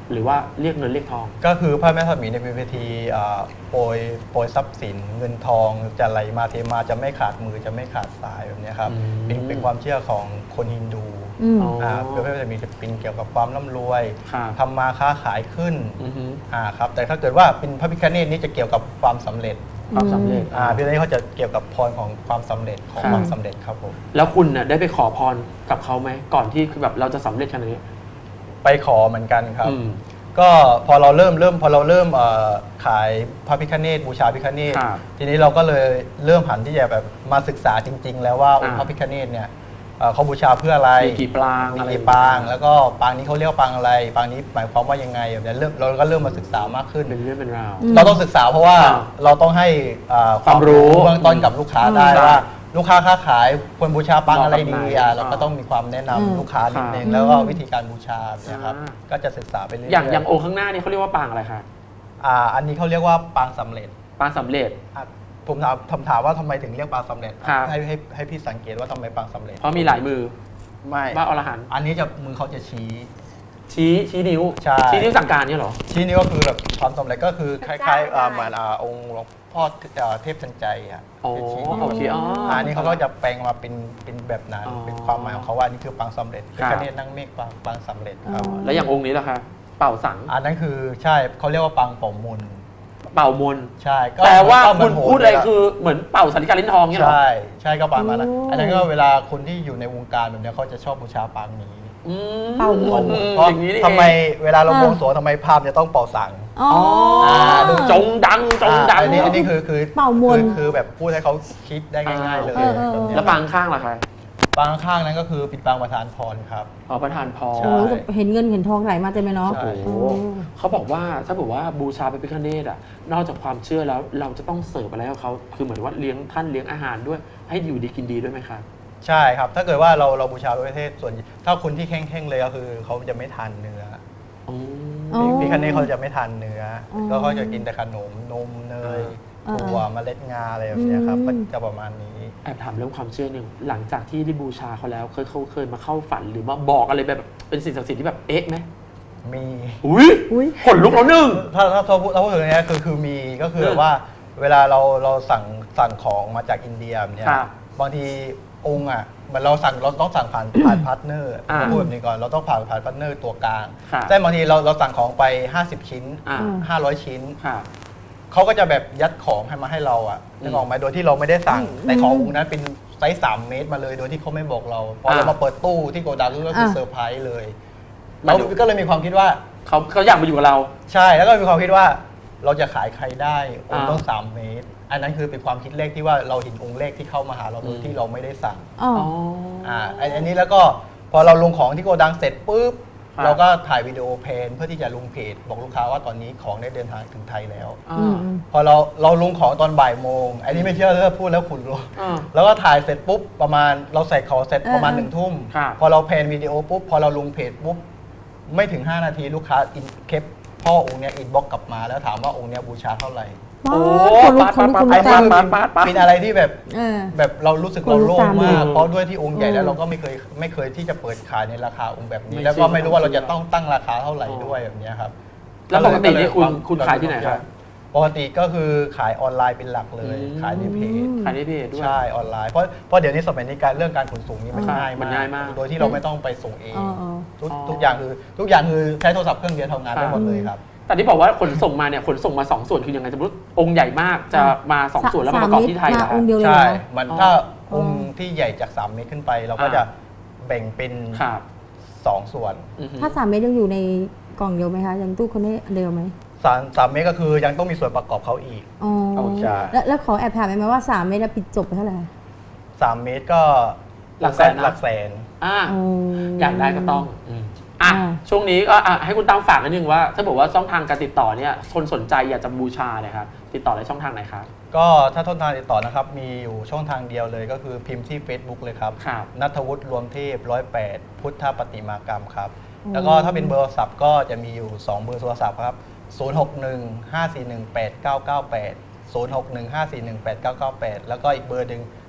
[SPEAKER 1] หรือว่าเรียกเงินเรียกทอง
[SPEAKER 5] ก็คือพระแม่ทัศมีในเป็นพิธีอ่าโปรยโปรยทรัพย์สินเงินทองจะไหลมาเทมาจะไม่ขาดมือจะไม่ขาดสายแบบนี้ครับ
[SPEAKER 1] อืม
[SPEAKER 5] เป็นเป็นความเชื่อของคนฮินดู
[SPEAKER 2] อืม
[SPEAKER 1] อ๋ออ่
[SPEAKER 5] าพระแม่ทัศมีจะเป็นเกี่ยวกับความร่ำรวย
[SPEAKER 1] ครับ
[SPEAKER 5] ทำมาค้าขายขึ้น
[SPEAKER 1] อือฮึ
[SPEAKER 5] อ่าครับแต่ถ้าเกิดว่าเป็นพระพิฆเนศนี่จะเกี่ยวกับความสำเร็จ
[SPEAKER 1] ความสำเร็จ
[SPEAKER 5] อ่าพิฆเนศเขาจะเกี่ยวกับพรของความสำเร็จของ
[SPEAKER 1] ครับ
[SPEAKER 5] ความสำเร็จครับผม
[SPEAKER 1] แล้วคุณน่ะได้ไปขอพรกับเขาไหมก่อนที่คือแบบเราจะสำเร็จขนาดนี้
[SPEAKER 5] ไปขอเหมือนกันครับ
[SPEAKER 1] อืม
[SPEAKER 5] ก็พอเราเริ่มเริ่มพอเราเริ่มเอ่อขายพระพิฆเนศบูชาพิฆเนศ
[SPEAKER 1] ครับ
[SPEAKER 5] ทีนี้เราก็เลยเริ่มหันที่จะแบบมาศึกษาจริง ๆ แล้วว่าองค์
[SPEAKER 1] อ่า
[SPEAKER 5] พระพิฆเนศเนี่ยเอ่อเขาบูชาเพื่ออะไร
[SPEAKER 1] มีกี่ปราง
[SPEAKER 5] มี
[SPEAKER 1] อะไร
[SPEAKER 5] กี่ปางแล้วก็ปางนี้เขาเรียกว่าปางอะไรปางนี้หมายความว่ายังไงแบบนี้เริ่มเราก็เริ่มมาศึกษามากขึ้น
[SPEAKER 1] เป็นเรื่องเป็นราว
[SPEAKER 2] อืม
[SPEAKER 5] เราต้องศึกษาเพราะว่า
[SPEAKER 1] อ่า
[SPEAKER 5] เราต้องให้อ่า
[SPEAKER 1] ความรู้
[SPEAKER 5] เบื้องต้นกับลูกค้าได้
[SPEAKER 1] อืม
[SPEAKER 5] ว่าลูกค้าค้าขายควรบูชาปางอะไรดี
[SPEAKER 1] เหมาะกับไหน
[SPEAKER 5] อ่ะเราก็
[SPEAKER 1] อ่า
[SPEAKER 5] ต้องมีความแนะนำ
[SPEAKER 2] อืม
[SPEAKER 5] ลูกค้านิดนึง
[SPEAKER 1] ค่ะ
[SPEAKER 5] แล้วก็วิธีการบูชาเนี่ยครับ
[SPEAKER 1] อ่า
[SPEAKER 5] ก็จะศึกษาไปเรื่อยๆ
[SPEAKER 1] อย่างอย่างองค์ข้างหน้านี่เขาเรียกว่าปางอะไรคะ
[SPEAKER 5] อ่าอันนี้เขาเรียกว่าปางสำเร็จ
[SPEAKER 1] ปางสำเร็จ
[SPEAKER 5] อ่ะผมถามถามถามว่าทำไมถึงเรียกปางสำเร็จ
[SPEAKER 1] ครับ
[SPEAKER 5] ให้ให้ให้พี่สังเกตว่าทำไมปางสำเร็จ
[SPEAKER 1] เพราะมีหลายมือ
[SPEAKER 5] ไม่
[SPEAKER 1] บ้าอรหันต์
[SPEAKER 5] อันนี้จะมือเขาจะชี้
[SPEAKER 1] ชี้ชี้นิ้ว
[SPEAKER 5] ใช่
[SPEAKER 1] ชี้นิ้วสั่งการเนี่ยเหรอ
[SPEAKER 5] ชี้นี้ก็คือแบบความสำเร็จก็คือค
[SPEAKER 2] พระ
[SPEAKER 5] ล้าย
[SPEAKER 2] เจ้า
[SPEAKER 5] ๆอ่า
[SPEAKER 2] ได้
[SPEAKER 5] เหมือนอ่าองค์หลวงพ่ออ่าเทพทันใจอ่ะ
[SPEAKER 1] อ๋อ
[SPEAKER 5] จะชี้
[SPEAKER 1] โอเคอ๋ออั
[SPEAKER 5] อันนี้เขาก็จะแปลงมาเป็นเป็นแบบนั้น
[SPEAKER 1] อ๋อ
[SPEAKER 5] เป็นความหมายของเขาว่านี่คือปางสำเร็จ
[SPEAKER 1] ค
[SPEAKER 5] เป็
[SPEAKER 1] รั
[SPEAKER 5] น
[SPEAKER 1] บ
[SPEAKER 5] คเนศนั่งเมฆปางปางสำเร็จครับ
[SPEAKER 2] อ๋อ
[SPEAKER 1] แล้วอย่างองค์นี้ล่ะคะ เป่าสัง
[SPEAKER 5] อันนั้นคือใช่เขาเรียกว่าปางเป่ามนต์
[SPEAKER 1] เป่ามนต์
[SPEAKER 5] ใช่ก็
[SPEAKER 1] แปลว่า
[SPEAKER 5] ก็เหมื
[SPEAKER 1] คุ
[SPEAKER 5] อน
[SPEAKER 1] ณ
[SPEAKER 5] โห
[SPEAKER 1] พูดอะไร
[SPEAKER 5] เลย
[SPEAKER 1] คือเหมือนเป่าสาริกาลิ้นทองเนี่ยเหรอ
[SPEAKER 5] ใช่ใช่ก็ปางมาแล้ว
[SPEAKER 2] โอ้
[SPEAKER 5] อันนั้นก็เวลาคนที่อยู่ในวงการแบบเนี้ยเขาจะชอบบูชาปางนี้
[SPEAKER 1] อืม
[SPEAKER 2] เป่ามนต์
[SPEAKER 1] อืม
[SPEAKER 5] เพราะ
[SPEAKER 1] อย่างนี้นี่เอง
[SPEAKER 5] ทำไมเวลาเรา
[SPEAKER 2] อ่า
[SPEAKER 5] บวงสรวงทำไมภาพจะต้องเป่าสัง
[SPEAKER 2] อ๋อ
[SPEAKER 1] อ๋อ
[SPEAKER 2] อ
[SPEAKER 1] จงดังจงดัง
[SPEAKER 5] อ่าอันนี้อันนี้คือคือ
[SPEAKER 2] เป่ามนต์
[SPEAKER 5] คือคือแบบพูดให้เขาคิดได้ง่าย ๆ เลย
[SPEAKER 2] เออเออเออ
[SPEAKER 5] แบบเนี้ย
[SPEAKER 1] แล้วปางข้างล่ะคะ
[SPEAKER 5] ปางข้างนั้นก็คือปิดปางประธานพรครับ
[SPEAKER 1] อ๋อประธานพร
[SPEAKER 5] ใช่
[SPEAKER 2] โอ้ยเห็นเงินเห็นทองไหลมาเต็มเลยเนาะ
[SPEAKER 5] ใช่
[SPEAKER 1] โอ้โหเขาบอกว่าถ้าบอกว่าบูชาพระพิฆเนศอ่ะนอกจากความเชื่อแล้วเราจะต้องเสิร์ฟอะไรให้เขาคือเหมือนว่าเลี้ยงท่านเลี้ยงอาหารด้วยให้อยู่ดีกินดีด้วยไหมครับ
[SPEAKER 5] ใช่ครับ ถ้าเกิดว่าเราเราบูชาพระพิฆเนศส่วนถ้าคนที่แข็งๆเลยก็คือเขาจะไม่ทานเนื้อ
[SPEAKER 1] อ๋อ
[SPEAKER 2] อ๋อ
[SPEAKER 5] พิฆเนศเขาจะไม่ทานเนื้ออ
[SPEAKER 2] อ
[SPEAKER 5] ก็เขาจะกินแต่ขนมนมเนย
[SPEAKER 2] อ่า
[SPEAKER 5] ถั่วเมล็ดงาอะไรแบบเนี้ยครับ
[SPEAKER 2] อืม
[SPEAKER 5] ก็จะประมาณนี้
[SPEAKER 1] แอบถามเรื่องความเชื่อหนึ่งหลังจากที่ได้บูชาเขาแล้วเคยเขาเคยมาเข้าฝันหรือมาบอกอะไรแบบเป็นสิ่งศักดิ์สิทธิ์ที่แบบเอ๊ะไหม
[SPEAKER 5] มี
[SPEAKER 1] อุ้ย
[SPEAKER 2] อุ้ย
[SPEAKER 1] ขนลุกแล้วหนึ่ง
[SPEAKER 5] ถ้าถ้าถ้าพูดถ้าพูดถึงเนี้ยคือคือมีก็คือแบบว่าเวลาเราเราสั่งสั่งของมาจากอินเดียแบบเนี้ย
[SPEAKER 1] ครับ
[SPEAKER 5] บางทีองค์อ่ะเหมันเราสั่งเราต้องสั่งผ่านผ่านพาร์ทเนอร์
[SPEAKER 1] อ่า
[SPEAKER 5] พูดแบบนี้ก่อนเราต้องผ่านผ่านพาร์ทเนอร์ตัวกลาง
[SPEAKER 1] ครับ
[SPEAKER 5] แต่บางทีเราเราสั่งของไป ห้าสิบ ชิ้น
[SPEAKER 1] อ่า
[SPEAKER 5] ห้าร้อย ชิ้น
[SPEAKER 1] ค่ะ
[SPEAKER 5] เขาก็จะแบบยัดของให้มาให้เราอ่ะนึกออกไหมโดยที่เราไม่ได้สั่ง
[SPEAKER 2] อืม
[SPEAKER 5] แต่ขององค์นั้นเป็นไซส์สามเมตรมาเลย โดยที่เขาไม่บอกเราพอเรา
[SPEAKER 1] อ่าม
[SPEAKER 5] มาเปิดตู้ที่โกดังก็คือ
[SPEAKER 2] อ่า
[SPEAKER 5] เซอร์ไพรส์เลย
[SPEAKER 1] มา
[SPEAKER 5] เรา
[SPEAKER 1] ดู
[SPEAKER 5] ก็เลยมีความคิดว่า
[SPEAKER 1] เขาเขาอยากมาอยู่กับเรา
[SPEAKER 5] ใช่แล้วก็มีความคิดว่าเราจะขายใครได้องค์
[SPEAKER 1] อ่า
[SPEAKER 5] ต้องสามเมตร อันนั้นคือเป็นความคิดเลขที่ว่าเราเห็นองค์เลขที่เข้ามาหาเราโดย
[SPEAKER 1] อืม
[SPEAKER 5] ที่เราไม่ได้สั่ง
[SPEAKER 2] อ๋อ
[SPEAKER 1] อ๋อ
[SPEAKER 5] อ่าอันอันนี้แล้วก็พอเราลงของที่โกดังเสร็จปุ๊บ
[SPEAKER 1] ครับ
[SPEAKER 5] เราก็ถ่ายวิดีโอเพลนเพื่อที่จะลงเพจบอกลูกค้าว่าตอนนี้ของได้เดินทางถึงไทยแล้ว
[SPEAKER 1] อ่า
[SPEAKER 2] อืมอืม
[SPEAKER 5] พอเราเราลงของตอนบ่ายโมงอันนี้ไม่เชื่อเลยพูดแล้วขุนรู้
[SPEAKER 1] อ่า
[SPEAKER 5] แล้วก็ถ่ายเสร็จปุ๊บประมาณเราใส่ของเสร็จประมาณ
[SPEAKER 2] เออ
[SPEAKER 5] หนึ่งทุ่ม
[SPEAKER 1] ครับ
[SPEAKER 5] พอเราเพลนวิดีโอปุ๊บพอเราลงเพจปุ๊บไม่ถึงห้านาทีลูกค้าอินเคปพ่อองค์เนี้ยอินบ็อกกลับมาแล้วถามว่าองค์เนี้ยบูชาเท่าไหร่
[SPEAKER 2] ว้า
[SPEAKER 1] โอ้
[SPEAKER 2] คนลุก
[SPEAKER 1] ปาด
[SPEAKER 2] คนลุก
[SPEAKER 1] ปาด
[SPEAKER 2] คน
[SPEAKER 1] ปา
[SPEAKER 2] ลุ
[SPEAKER 1] ด
[SPEAKER 2] ก
[SPEAKER 1] ปา
[SPEAKER 2] ตา
[SPEAKER 1] ด
[SPEAKER 2] ม
[SPEAKER 1] ปาดปาด
[SPEAKER 5] เป็นอะไรที่แบบ
[SPEAKER 2] เออ
[SPEAKER 5] แบบเรารู้สึก
[SPEAKER 2] คน
[SPEAKER 5] เรา
[SPEAKER 2] ลุก
[SPEAKER 5] โล่ง
[SPEAKER 2] ตาม
[SPEAKER 5] มาก
[SPEAKER 1] เลย
[SPEAKER 5] เพราะด้วยที่องค์ใหญ่
[SPEAKER 2] เออ
[SPEAKER 5] แล้วเราก็ไม่เคยไม่เคยที่จะเปิดขายในราคาองค์แบบนี้
[SPEAKER 1] ไม่
[SPEAKER 5] แล้วก็
[SPEAKER 1] ใช่
[SPEAKER 5] ไม่รู้ว่าเรา
[SPEAKER 1] ไม่ใช่
[SPEAKER 5] จะต้องตั้งราคาเท่าไหร่ด้วยแบบเนี้ยครับ
[SPEAKER 1] แล้วปกตินี่คุณ
[SPEAKER 5] ก็เลย
[SPEAKER 1] คุณขายที่ไหนครับ
[SPEAKER 5] ปกติก็คือขายออนไลน์เป็นหลักเลย
[SPEAKER 1] อืม
[SPEAKER 5] ขายในเพจ
[SPEAKER 1] ขายในเพจด้วย
[SPEAKER 5] ใช่ออนไลน์เพราะเพราะเดี๋ยวนี้สมัยนี้การเรื่องการขนส่งนี่มัน
[SPEAKER 1] ใช่
[SPEAKER 5] ง่าย
[SPEAKER 1] มันง่ายมาก
[SPEAKER 5] โดยที่เราไม่ต้องไปส่งเอง
[SPEAKER 2] อ๋ออ๋อ
[SPEAKER 5] ทุก
[SPEAKER 1] อ๋อ
[SPEAKER 5] ทุกอย่างคือทุกอย่างคือใช้โทรศัพท์เครื่องเดียวทำงานได้หมดเลยครับ
[SPEAKER 1] แต่ที่บอกว่าขนส่งมาเนี่ยขนส่งมาสองส่วนคือยังไงสมมติองค์ใหญ่มากจะมาสองส่วนแล้วมาประกอบที่ไทย
[SPEAKER 2] สาม
[SPEAKER 1] นะ
[SPEAKER 2] เมตรมาองค์เดียวเลย
[SPEAKER 5] ใช่
[SPEAKER 2] เหรอ
[SPEAKER 5] มัน
[SPEAKER 1] อ๋อ
[SPEAKER 5] ถ้า
[SPEAKER 2] อ๋อ
[SPEAKER 5] องค์ที่ใหญ่จากสามเมตรขึ้นไป เราก็
[SPEAKER 1] อ่า
[SPEAKER 5] จะแบ่งเป็น
[SPEAKER 1] ครับ
[SPEAKER 5] สองส่วน
[SPEAKER 1] อือฮึ
[SPEAKER 2] ถ้าสามเมตรยังอยู่ในกล่องเดียวไหมคะยังตู้คนนี้เดียวไหม
[SPEAKER 5] สามสามเมตรก็คือยังต้องมีส่วนประกอบเขาอีก
[SPEAKER 2] อ๋อ
[SPEAKER 1] โอเค
[SPEAKER 2] แล้วแล้วขอแอบถามได้ไหมว่าสามเมตรอะปิดจบไปเท่าไหร่
[SPEAKER 5] สามเมตรก็
[SPEAKER 1] หลักแสนนะ
[SPEAKER 5] หลักแสน
[SPEAKER 1] อ่า
[SPEAKER 2] อ๋อ
[SPEAKER 1] อยากได้ก็ต้องอืมอ่ะ
[SPEAKER 2] อ่า
[SPEAKER 1] ช่วงนี้ก็อ่ะให้คุณตั้งฝากนิดนึงว่า ถ้าบอกว่าช่องทางการติดต่อเนี่ยคนสนใจอยากจะบูชาเนี่ยครับติดต่อในช่องทางไหนครับ
[SPEAKER 5] ก็ถ้าต้นทางติดต่อนะครับ มีอยู่ช่องทางเดียวเลยก็คือพิมพ์ที่ Facebook เลยครับ
[SPEAKER 1] ครับ
[SPEAKER 5] นัทวุฒิรวมเทพร้อยแปดพุทธปฏิมากรรมครับ
[SPEAKER 2] อืม
[SPEAKER 5] แล้วก็ถ้าเป็นเบอร์โทรศัพท์ก็จะมีอยู่ สอง เบอร์โทรศัพท์ครับ ศูนย์ หก หนึ่ง ห้า สี่ หนึ่ง แปด เก้า เก้า แปด ศูนย์ หก หนึ่ง ห้า สี่ หนึ่ง แปด เก้า เก้า แปด แล้วก็อีกเบอร์หนึ่ง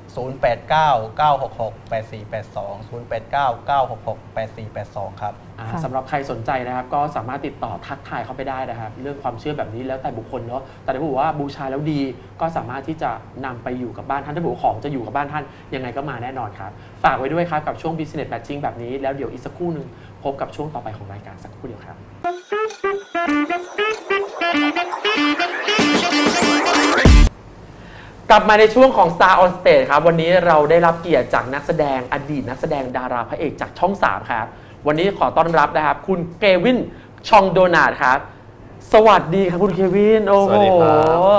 [SPEAKER 5] ศูนย์ แปด เก้า เก้า หก หก แปด สี่ แปด สอง ศูนย์ แปด เก้า เก้า หก หก แปด สี่ แปด สอง ครับ
[SPEAKER 1] อ่า
[SPEAKER 2] ค่ะ
[SPEAKER 1] สำหรับใครสนใจนะครับก็สามารถติดต่อทักทายเข้าไปได้นะครับ เรื่องความเชื่อแบบนี้แล้วแต่บุคคลเนาะแต่ถ้าบอกว่าบูชาแล้วดีก็สามารถที่จะนำไปอยู่กับบ้านท่านถ้าบอกว่าของจะอยู่กับบ้านท่านยังไงก็มาแน่นอนครับฝากไว้ด้วยครับกับช่วง Business Matching แบบนี้แล้วเดี๋ยวอีกสักครู่หนึ่งพบกับช่วงต่อไปของรายการสักครู่เดียวครับ กลับมาในช่วงของ Star on Stage ครับวันนี้เราได้รับเกียรติจากนักแสดงอดีตนักแสดงดาราพระเอกจากช่องสามครับวันนี้ขอต้อนรับนะครับคุณเควินชองโดนาดครับสวัสดีครับคุณเควินโอ้โห
[SPEAKER 5] สวัสดีครับ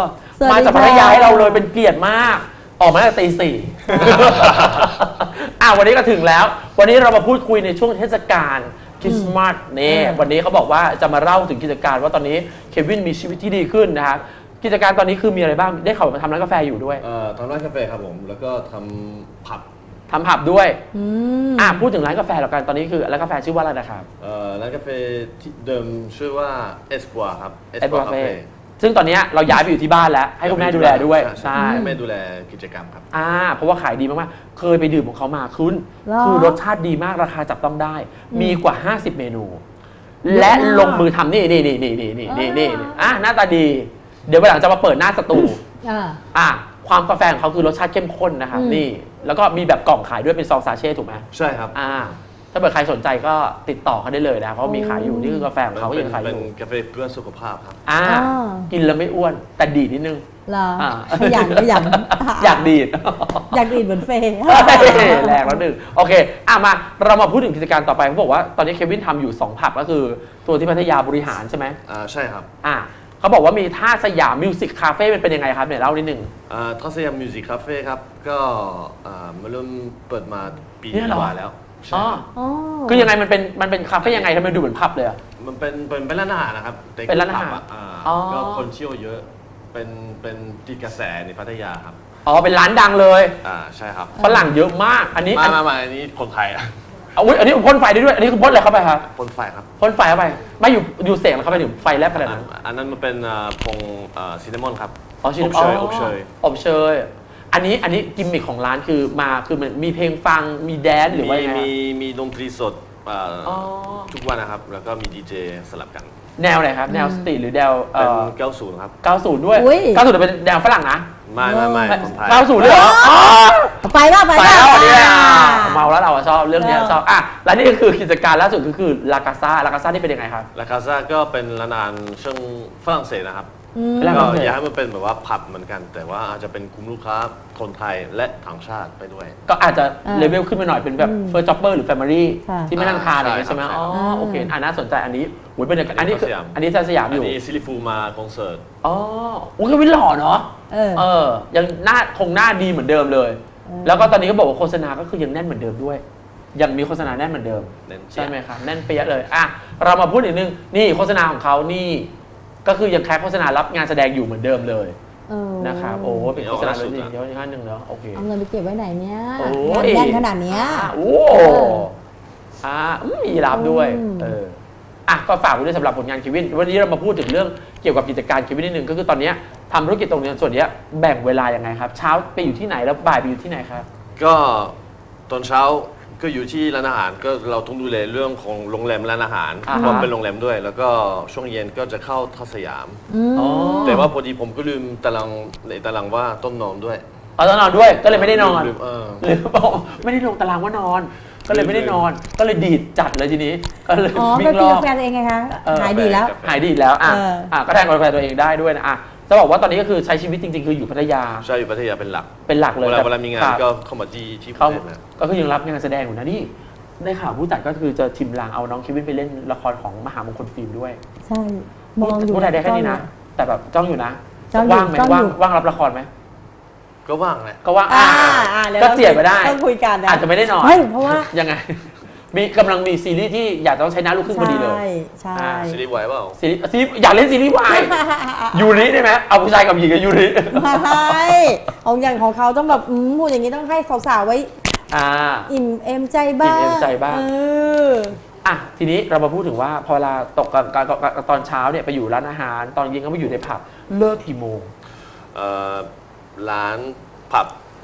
[SPEAKER 1] มาจากพัทยาให้เราเลยเป็นเกียรติมากออกมาตั้งแต่ตีสี่ อ่ะวันนี้ก็ถึงแล้ว วันนี้เรามาพูดคุยในช่วงเทศกาลคริสต์มาสนี่วันนี้เขาบอกว่าจะมาเล่าถึงกิจการว่าตอนนี้เควินมีชีวิตที่ดีขึ้นนะครับกิจการตอนนี้คือมีอะไรบ้างได้ข่าวมาทำร้านกาแฟอยู่ด้วย
[SPEAKER 6] เอ่อทำร้านกาแฟครับผม แล้วก็ทำผับ
[SPEAKER 1] ทำผับด้วย
[SPEAKER 2] อืม
[SPEAKER 1] อ่ะพูดถึงร้านกาแฟแล้วกันตอนนี้คือร้านกาแฟชื่อว่าอะไรนะครับ
[SPEAKER 6] เอ่อร้านกาแฟที่เดิมชื่อว่าเอสปัวครับเอส
[SPEAKER 1] เอ็ด
[SPEAKER 6] ปัว
[SPEAKER 1] วา
[SPEAKER 6] คา
[SPEAKER 1] เฟ่
[SPEAKER 6] เฟ่
[SPEAKER 1] ซึ่งตอนนี้เราย้ายไปอยู่ที่บ้านแล้ว ให้คุณแม่ดูแลด้วย
[SPEAKER 6] ใช่
[SPEAKER 1] ใช่
[SPEAKER 6] ให้แม่ดูแลกิจกรรมครับ
[SPEAKER 1] อ่าเพราะว่าขายดีมากๆ เคยไปดื่มของเขามาคุณ
[SPEAKER 2] หรอ
[SPEAKER 1] คือรสชาติดีมากราคาจับต้องได้
[SPEAKER 2] อืม
[SPEAKER 1] มีกว่า ห้าสิบ เมนู
[SPEAKER 2] เยอะ
[SPEAKER 1] และ
[SPEAKER 2] มาก
[SPEAKER 1] ลงมือทำนี่นี่นี่นี่นี่นี่นี่นี่
[SPEAKER 2] อ่า
[SPEAKER 1] อ่ะหน้าตาดี เดี๋ยววันหลังจะมาเปิดหน้าสตู
[SPEAKER 2] อ่า
[SPEAKER 1] อ่ะความกาแฟของเขาคือรสชาติเข้มข้นนะครับ
[SPEAKER 2] อืม
[SPEAKER 1] นี่แล้วก็มีแบบกล่องขายด้วยเป็นซองซาเช่ถูกไหม
[SPEAKER 6] ใช่ครับ
[SPEAKER 1] อ่าถ้าเกิดใครสนใจก็ติดต่อเขาได้เลยนะเพราะว่ามีขายอยู่นี่คือกาแฟของเขา
[SPEAKER 6] เป็
[SPEAKER 1] ยั
[SPEAKER 6] น
[SPEAKER 1] งขายอ
[SPEAKER 6] เป็น
[SPEAKER 1] ยู่
[SPEAKER 6] กาแฟเพื่อสุขภาพครับ
[SPEAKER 1] อ่า
[SPEAKER 2] อ่า
[SPEAKER 1] กินแล้วไม่อ้วนแต่ดีดนิดนึง
[SPEAKER 2] เหรอ
[SPEAKER 1] อ่า
[SPEAKER 2] ขยันขยัน
[SPEAKER 1] อยากดีด
[SPEAKER 2] อยากดีดเหมือนเฟย์
[SPEAKER 1] แรงแล้วหนึ่งโอเคอ่ะมาเรามาพูดถึงกิจการต่อไปเขาบอกว่าตอนนี้เควินทำอยู่สองผับก็คือตัวที่พัทยาบริหารใช่ไหม
[SPEAKER 6] อ่าใช่ครับ
[SPEAKER 1] อ่ะเขาบอกว่ามีท่าสยามมิวสิกคาเฟ่มันเป็นยังไงครับเนี่ยเล่านิดนึง
[SPEAKER 6] อ่าทัศยามมิวสิกคาเฟ่ครับ ก็อ่ามาเริ่มเปิดมาปี
[SPEAKER 1] เนี่ยเหรอ
[SPEAKER 6] กว่าแล้วใช่
[SPEAKER 1] อ๋อ
[SPEAKER 6] ครับ
[SPEAKER 2] อ๋อ
[SPEAKER 1] คือยังไงมันเป็นมันเป็นคาเฟ่ยังไงทำไมดูเหมือนผับเลยอะ
[SPEAKER 6] มันเป็นเป็นเป็นร้านอาหารนะครับแต่
[SPEAKER 1] เป็นร้านอาหาร
[SPEAKER 6] ผับะอ่า
[SPEAKER 1] อ๋อ
[SPEAKER 6] ก็คนเที่ยวเยอะ เป็นเป็นติดกระแสในพัทยาครับ
[SPEAKER 1] อ๋อเป็นร้านดังเลย
[SPEAKER 6] อ่าใช่ครับ
[SPEAKER 1] ฝรั่งเยอะมากอันนี้
[SPEAKER 6] มา
[SPEAKER 1] อัน
[SPEAKER 6] มามาอันนี้คนไทยอะ
[SPEAKER 1] เอาอุ๊ยอันนี้พ่นไฟได้ด้วยอันนี้คือพ่นอะไรเข้าไปครับ
[SPEAKER 6] คนไฟครับ
[SPEAKER 1] พ่นไฟเข้าไปไม่อยู่อยู่เสกแล้วเข้าไปถึงไฟแลบขนาดนั้น
[SPEAKER 6] อ่าอันนั้นมันเป็นอ่าผงซินนามอนครับ
[SPEAKER 1] อ๋อชิ
[SPEAKER 6] อบเชยอบเชย
[SPEAKER 1] อบเชยอันนี้อันนี้กิมมิคของร้านคือมาคือมันมีเพลงฟังมีแดนซ์หรือว่า
[SPEAKER 6] มี
[SPEAKER 1] ยังไง
[SPEAKER 6] มีมีดนตรีสดอ่า
[SPEAKER 1] อ๋อ
[SPEAKER 6] ทุกวันนะครับ แล้วก็มีดีเจสลับกัน
[SPEAKER 1] แนวไหนครับ แนวสตรีทหรือแนวเอ่
[SPEAKER 6] เป็น
[SPEAKER 1] อ
[SPEAKER 6] เก้าศูนย์ครับ
[SPEAKER 1] เก้าสิบด้วย
[SPEAKER 2] อุ๊ย
[SPEAKER 1] เก้าสิบเป็นแนวฝรั่งนะ
[SPEAKER 6] ไม่ไม่ไม่คนไทย
[SPEAKER 1] เก้าสิบเลยเหรออ๋อ
[SPEAKER 2] ไปป่ะไป
[SPEAKER 1] ไป
[SPEAKER 2] ป่ะ
[SPEAKER 1] แล้วเนี่ย
[SPEAKER 2] อ่า
[SPEAKER 1] เมาแล้วเราอะชอบเรื่องเนี้ย
[SPEAKER 2] เออ
[SPEAKER 1] ชอบอ่ะแล้วนี่ก็คือกิจการล่าสุดก็คือลากาซ่าลากาซ่านี่เป็นยังไงครับ
[SPEAKER 6] ลาคาซาก็เป็นร้านอาหารเชิงฝรั่งเศสนะครับ
[SPEAKER 2] อืม
[SPEAKER 1] เป็นร้าน
[SPEAKER 6] ก็
[SPEAKER 1] ฝรั่งเศส
[SPEAKER 6] อยากให้มันเป็นแบบว่าผับเหมือนกัน แต่ว่าอาจจะเป็นกลุ่มลูกค้าคนไทยและต่างชาติไปด้วย
[SPEAKER 1] ก็อาจจะ
[SPEAKER 2] อ่า
[SPEAKER 1] เลเวลขึ้นมาหน่อยเป็นแบบ
[SPEAKER 2] อืม
[SPEAKER 1] เฟิร์สจ็อบเบอร์หรือแฟมิลี่
[SPEAKER 2] ค่ะ
[SPEAKER 1] ที่ไม่นั่งทานอะไรอย่างเงี้ย
[SPEAKER 6] ใช่
[SPEAKER 1] ใช่ไหม
[SPEAKER 6] ครับ
[SPEAKER 1] อ๋อ
[SPEAKER 2] อ่า
[SPEAKER 1] โอเคอ่าน่าสนใจอันนี้หุยเป็นอันนี้คือ
[SPEAKER 6] สยาม
[SPEAKER 1] อันนี้ที่สยาม
[SPEAKER 6] อั
[SPEAKER 1] อน ยู่
[SPEAKER 6] นี้ซิลิฟูมาคอนเสิร์ต
[SPEAKER 1] อ๋ออุ้ยก็วินหล่อเนาะ
[SPEAKER 2] เออ
[SPEAKER 1] เออ ยังหน้าคงหน้าดีเหมือนเดิมเลย
[SPEAKER 2] เออ
[SPEAKER 1] แล้วก็ตอนนี้ก็บอกว่าโฆษณาก็คือยังแน่นเหมือนเดิมด้วย ยังมีโฆษณาแน่นเหมือนเดิม
[SPEAKER 6] แน่นเจี๊ยบ
[SPEAKER 1] ใช่ไหมครับแน่นเปี้ยะเลยอ่ะเรามาพูดอีกนึงนี่โฆษณาของเขานี่ ก็คือยังแค่โฆษณารับงานแสดงอยู่เหมือนเดิมเลย
[SPEAKER 2] เออ
[SPEAKER 1] นะครับโอ้เป็นโฆษณาเลยจริงเดี๋ยวอีกขั้นหนึ่งเนาะโอเค
[SPEAKER 2] เอาเงินไปเก็บไว้ไหนเนี้ย
[SPEAKER 1] โอ้
[SPEAKER 2] งาน
[SPEAKER 1] ย
[SPEAKER 2] แน่นขนาดเนี้ย
[SPEAKER 1] อ่ะโอ้
[SPEAKER 2] เออ
[SPEAKER 1] อ่าอืมมีรับด้วย
[SPEAKER 2] อืม
[SPEAKER 1] เอออ่ะก็ฝากไว้ด้วยสำหรับผลงานเควินวันนี้เรามาพูดถึงเรื่องเกี่ยวกับกิจการเควินนิดนึงก็คือตอนเนี้ยทำธุรกิจตรงเนี้ยส่วนเนี้ยแบ่งเวลายังไงครับ เช้าไปอยู่ที่ไหนแล้วบ่ายไปอยู่ที่ไหนครับ
[SPEAKER 6] ก็ตอนเช้าก็อยู่ที่ร้านอาหารก็เราต้องดูแลเรื่องของโรงแรมร้านอาหาร
[SPEAKER 1] อ่าฮะ
[SPEAKER 6] เพราะเป็นโรงแรมด้วย แล้วก็ช่วงเย็นก็จะเข้าทัศสยาม
[SPEAKER 2] อืม
[SPEAKER 1] อ๋อ
[SPEAKER 6] แต่ว่าพอดีผมก็ลืมตารางในตารางว่าต้องนอนด้วย
[SPEAKER 1] เอาต้องนอนด้วยก็เลยไม่ได้นอน
[SPEAKER 6] ลืมเออ
[SPEAKER 1] หรือบอกไม่ได้ลงตารางว่านอน ก็เลยไม่ได้นอน ก็เลยดีดจัดเลยทีนี้ก็เลย
[SPEAKER 2] อ๋อ
[SPEAKER 1] วิ่
[SPEAKER 2] ไป
[SPEAKER 1] งร
[SPEAKER 2] ตี
[SPEAKER 1] อบ
[SPEAKER 2] กาแฟตัวเองไงคะ
[SPEAKER 1] เออ
[SPEAKER 2] หายดีแล้ว
[SPEAKER 6] กาแฟ
[SPEAKER 1] หายดีดแล้วอ่ะ
[SPEAKER 2] เอออ่
[SPEAKER 1] อ่ะก็แทนกาแฟตัวเองได้ด้วยนะอ่ะจะบอกว่าตอนนี้ก็คือใช้ชีวิตจริงๆ คืออยู่พัทยา
[SPEAKER 6] ใช่อยู่พัทยาเป็นหลัก
[SPEAKER 1] เป็นหลักเลย
[SPEAKER 6] เวลา
[SPEAKER 1] แต่
[SPEAKER 6] เวลามีงาน
[SPEAKER 1] ครับ
[SPEAKER 6] ก็เข้ามาที่ที่
[SPEAKER 1] เขา
[SPEAKER 6] ภูเก็ตนะ
[SPEAKER 1] ก็คือยังรับงานแสดงอยู่นะนี่ได้ข่าวผู้จัดก็คือจะทิมลางเอาน้องเควินไปเล่นละครของมหามงคลฟิล์มด้วย
[SPEAKER 2] ใช่ มองอยู่
[SPEAKER 1] พูดไทยได้แค่นี้นะ แต่แบบจ้องอยู่นะ
[SPEAKER 2] จ้องอยู่
[SPEAKER 1] ว่างไหม
[SPEAKER 2] จ้อง
[SPEAKER 1] ว่าง
[SPEAKER 2] อยู่
[SPEAKER 1] ว่างรับละครไหม
[SPEAKER 6] ก็ว่างแหละ
[SPEAKER 1] ก็ว่าง
[SPEAKER 2] อ่า
[SPEAKER 1] อ่า
[SPEAKER 2] อ่าดี๋ว
[SPEAKER 1] ก็เจียดไปได้
[SPEAKER 2] ต้องคุยกันนะ
[SPEAKER 1] อาจจะไม่ได้นอน
[SPEAKER 2] ไม่เพราะว่า
[SPEAKER 1] ยังไง มีกำลังมีซีรีส์ที่อยากจะต้องใช้หน้าลูกครึ่งพอดีเลย
[SPEAKER 2] ใช่ใช่
[SPEAKER 1] อ่า
[SPEAKER 6] ซีรีส์ไหวเปล่า
[SPEAKER 1] ซีรีส์ซีรีส์อยากเล่นซีรีส์วายยูริได้ไหมเอาผู้ชายกับหญิงกับยูริ
[SPEAKER 2] ไม่ของอย่างของเขาต้องแบบอืมพูดอย่างนี้ต้องให้สาวๆไว้
[SPEAKER 1] อ่า
[SPEAKER 2] อิ่มเอมใจบ้าง
[SPEAKER 1] อิ่มเอมใจบ้าง
[SPEAKER 2] เออ
[SPEAKER 1] อ่ะทีนี้เรามาพูดถึงว่าพอเวลาตกกันกันกันตอนเช้าเนี่ยไปอยู่ร้านอาหาร ตอนเย็นก็ไปอยู่ในผับเลิกกี่โมง
[SPEAKER 6] เอ่อร้านผับ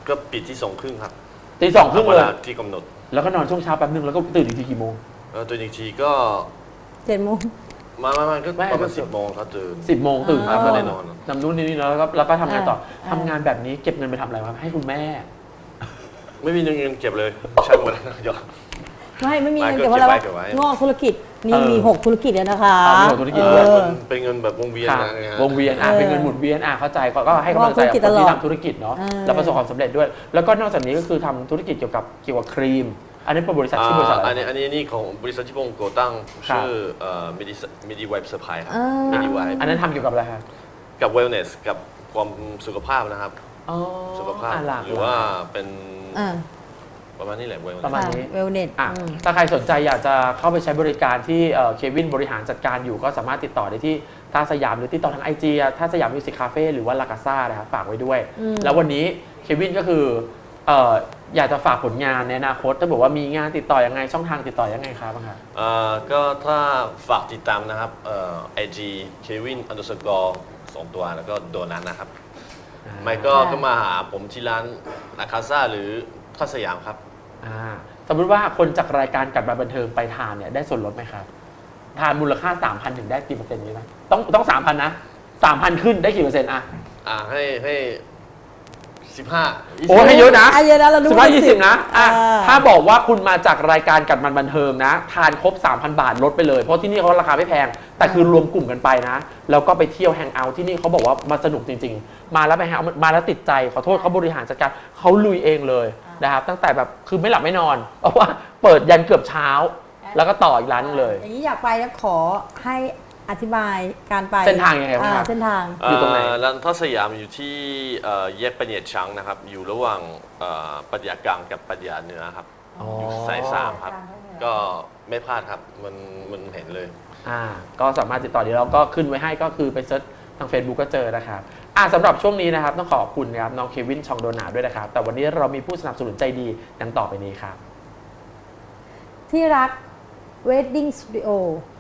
[SPEAKER 6] ก็ปิดที่สองครึ่งครับ
[SPEAKER 1] ตีสองครึ่ง
[SPEAKER 6] ตาม
[SPEAKER 1] เล
[SPEAKER 6] วย ลาที่กำหนด
[SPEAKER 1] แล้วก็นอนช่วงเช้าแป๊บนึงแล้วก็ตื่นอีกทีกี่โมง
[SPEAKER 6] แล้วตื่นอีกทีก็
[SPEAKER 2] เจ็ดโมง
[SPEAKER 6] มามามาก็
[SPEAKER 1] ไม่
[SPEAKER 6] ประมาณ
[SPEAKER 1] ก็
[SPEAKER 6] สิบโมงครับตื่น
[SPEAKER 1] สิบโมงตื่น
[SPEAKER 2] อ๋อ
[SPEAKER 1] ครับ
[SPEAKER 6] ก็ได้นอน
[SPEAKER 1] นำนู่นนี่แล้วก็แล้วก็ทำงานต่อ
[SPEAKER 2] อ่า
[SPEAKER 1] ทำงานแบบนี้เก็บเงินไปทำอะไรวะให้คุณแม่
[SPEAKER 6] ไม่มีเงินเก็บเลยใช้หมดแล้วยอด
[SPEAKER 2] ไม่ไม่มี
[SPEAKER 6] ไม่
[SPEAKER 2] เงิน
[SPEAKER 6] ก็
[SPEAKER 2] เก็บเพราะอะไร
[SPEAKER 6] เก็บไว้
[SPEAKER 2] วะ
[SPEAKER 6] เก็บไว้
[SPEAKER 2] งอกธุรกิจนี่
[SPEAKER 1] เออ
[SPEAKER 2] มีหกธุรกิจเลยนะคะ
[SPEAKER 1] อ่ามีหกธุรกิจ
[SPEAKER 2] เอ
[SPEAKER 1] ด้วย
[SPEAKER 2] อ
[SPEAKER 6] เป็นเงินแบบวงเวียน
[SPEAKER 1] ค่ะ
[SPEAKER 6] นะฮะ
[SPEAKER 1] วงเวียนอ่ะ
[SPEAKER 2] เออ
[SPEAKER 1] เป็นเงินหมุนเวียนอ่ะเข้าใจก็ก็ให้กำลังใจกับคนที่
[SPEAKER 2] ว่าธุรกิจตลอด
[SPEAKER 1] ทำธุรกิจเนาะ
[SPEAKER 2] เออ
[SPEAKER 1] แล้วประสบความสำเร็จด้วย แล้วก็นอกจากนี้ก็คือทำธุรกิจเกี่ยวกับเกี่ยวกับครีม อันนี้เป็นบริษัทชื่อบริษัทอะ
[SPEAKER 6] อัน
[SPEAKER 1] ไร
[SPEAKER 6] นี้อันนี้นี่ของบริษัทที่ผมก่อตั้ง
[SPEAKER 1] ครับ
[SPEAKER 6] ชื่อเอ่อ Midi Midi Wipe Supply ครับ
[SPEAKER 2] เออ
[SPEAKER 6] Midi Wipe
[SPEAKER 1] อันนั้นทำเกี่ยวกับอะไรครับ
[SPEAKER 6] กับ wellness กับความสุขภาพนะครับ
[SPEAKER 1] อ๋อ
[SPEAKER 6] สุขภาพ
[SPEAKER 1] อ่ะหลาก
[SPEAKER 6] หรือว่าเป็น
[SPEAKER 2] อ่า
[SPEAKER 6] ประมาณนี้แหละ wellness
[SPEAKER 1] ประมาณนี้
[SPEAKER 2] เวลเน็ต
[SPEAKER 1] อ่ะถ้าใครสนใจอยากจะเข้าไปใช้บริการที่เอ่อเควินบริหารจัดการอยู่ก็สามารถติดต่อได้ที่ท่าสยามหรือติดต่อทางไอจีท่าสยามมิวสิกคาเฟ่หรือว่าลากาซ่านะครับฝากไว้ด้วย
[SPEAKER 2] อืม
[SPEAKER 1] แล้ววันนี้เควินก็คือเอ่ออยากจะฝากผลงานในอนาคตถ้าบอกว่ามีงานติดต่อยังไงช่องทางติดต่อยังไงครับบ้างครับ
[SPEAKER 6] เอ่อก็ถ้าฝากติดตามนะครับเอ่อ ไอ จี Kevin underscore สองตัวแล้วก็โดนัทนะครับ ไม่ก็ก็มาหาผมที่ร้านนาคาซ่าหรือท่าสยามครับ
[SPEAKER 1] อ่าสมมติว่าคนจากรายการกัดมาบันเทิงไปทานเนี่ยได้ส่วนลดไหมครับ ทานมูลค่า สามพัน ถึงได้กี่เปอร์เซ็นต์นี้ไหมต้องต้อง สามพัน นะ สามพัน ขึ้นได้กี่เปอร์เซ็นต์อ่ะ
[SPEAKER 6] อ่าให้ให้สิบห้า
[SPEAKER 1] โอ้ให้เยอะนะ
[SPEAKER 2] อ่ะเยอะนะเราดู
[SPEAKER 1] สิบห้ายี่สิบนะอ่ะ
[SPEAKER 2] เออ
[SPEAKER 1] ถ้าบอกว่าคุณมาจากรายการกัดมันบันเทิงนะ ทานครบ สามพัน บาทลดไปเลย เพราะที่นี่เขาราคาไม่แพง แต่คือรวมกลุ่มกันไปนะ แล้วก็ไปเที่ยวแฮงเอาท์ที่นี่เขาบอกว่ามาสนุกจริง ๆ มาแล้วไปแฮงเอาท์มาแล้วติดใจขอโทษเขาบริหารจัดการเขาลุยเองเลยนะครับตั้งแต่แบบคือไม่หลับไม่นอนเพราะว่าเปิดยันเกือบเช้า แล้วก็ต่ออีกร้านนึงเลย
[SPEAKER 2] อย่างนี้อยากไปแล้วขอให้อธิบายการไป
[SPEAKER 1] เส้นทางยังไงบ้างครับ
[SPEAKER 2] อ่าเส้นทาง
[SPEAKER 1] อยู่ตรงไหน
[SPEAKER 6] เร้านท่าสยามอยู่ที่เอ่อแยกปะเนียดช้างนะครับ อยู่ระหว่างเอ่อปัญญากลางกับปัญญาเหนือครับ
[SPEAKER 1] อ๋อ
[SPEAKER 6] อยู่สายสามครับ ก็ไม่พลาดครับ มันมันเห็นเลย
[SPEAKER 1] อ่าก็สามารถติดต่อเดี๋ยวเราก็ขึ้นไว้ให้ก็คือไปเซิร์ชทาง Facebook ก็เจอนะครับอ่าสำหรับช่วงนี้นะครับต้องขอบคุณนะครับน้องเควินชองโดนาด้วยนะครับ แต่วันนี้เรามีผู้สนับสนุนใจดีดังต่อไปนี้ครับ
[SPEAKER 2] ที่รัก Wedding Studio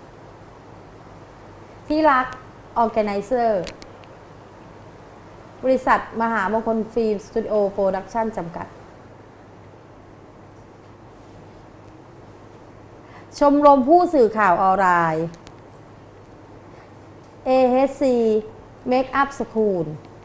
[SPEAKER 2] ที่รัก Organizer บริษัทมหามงคลฟิล์มสตูดิโอโปรดักชั่นจำกัด ชมรมผู้สื่อข่าวออนไลน์ เอ เอช ซี Makeup School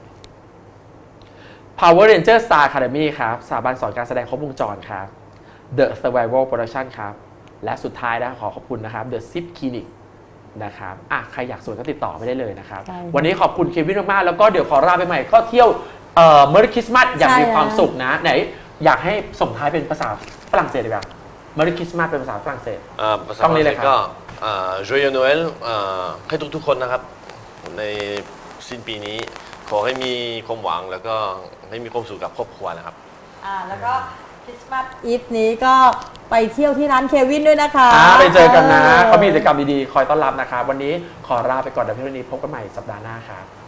[SPEAKER 1] Power Ranger Star Academy ครับสถาบันสอนการแสดงครบวงจรครับ The Survival Production ครับและสุดท้ายนะขอขอบคุณนะครับ The Zip Clinic นะครับอ่ะใครอยากสวยก็ติดต่อไม่ได้เลยนะครับ
[SPEAKER 2] ใช่ค่ะ
[SPEAKER 1] วันนี้ขอบคุณเควินมากๆแล้วก็เดี๋ยวขอลาไปใหม่ก็เที่ยวเอ่อ Merry Christmas อย่าง
[SPEAKER 2] ใช่
[SPEAKER 1] มีความ
[SPEAKER 2] ค่ะ
[SPEAKER 1] สุขนะ ไหนอยากให้ส่งท้ายเป็นภาษาฝรั่งเศสดีกว่า Merry Christmas เป็นภาษาฝรั่งเศส
[SPEAKER 6] เอ่อภาษา
[SPEAKER 1] ต้อง
[SPEAKER 6] ฝ
[SPEAKER 1] นี้
[SPEAKER 6] รั่ง
[SPEAKER 1] เล
[SPEAKER 6] เศ
[SPEAKER 1] ย
[SPEAKER 6] ส
[SPEAKER 1] ครับ
[SPEAKER 6] ก็เอ่อ Joyeux Noël เอ่อให้ทุกๆคนนะครับ ในสิ้นปีนี้ขอให้มีความหวังแล้วก็ให้มีความสุขกับครอบครัวนะครับ
[SPEAKER 2] อ่าแล้วก็คริสต์มาสอีฟนี้ก็ไปเที่ยวที่ร้านเควินด้วยนะคะ
[SPEAKER 1] อ่าไปเจอกันนะเขามีกิจกรรมดีๆ คอยต้อนรับนะครับ วันนี้ขอลาไปก่อนเดี๋ยวพี่วันนี้พบกันใหม่สัปดาห์หน้าครับ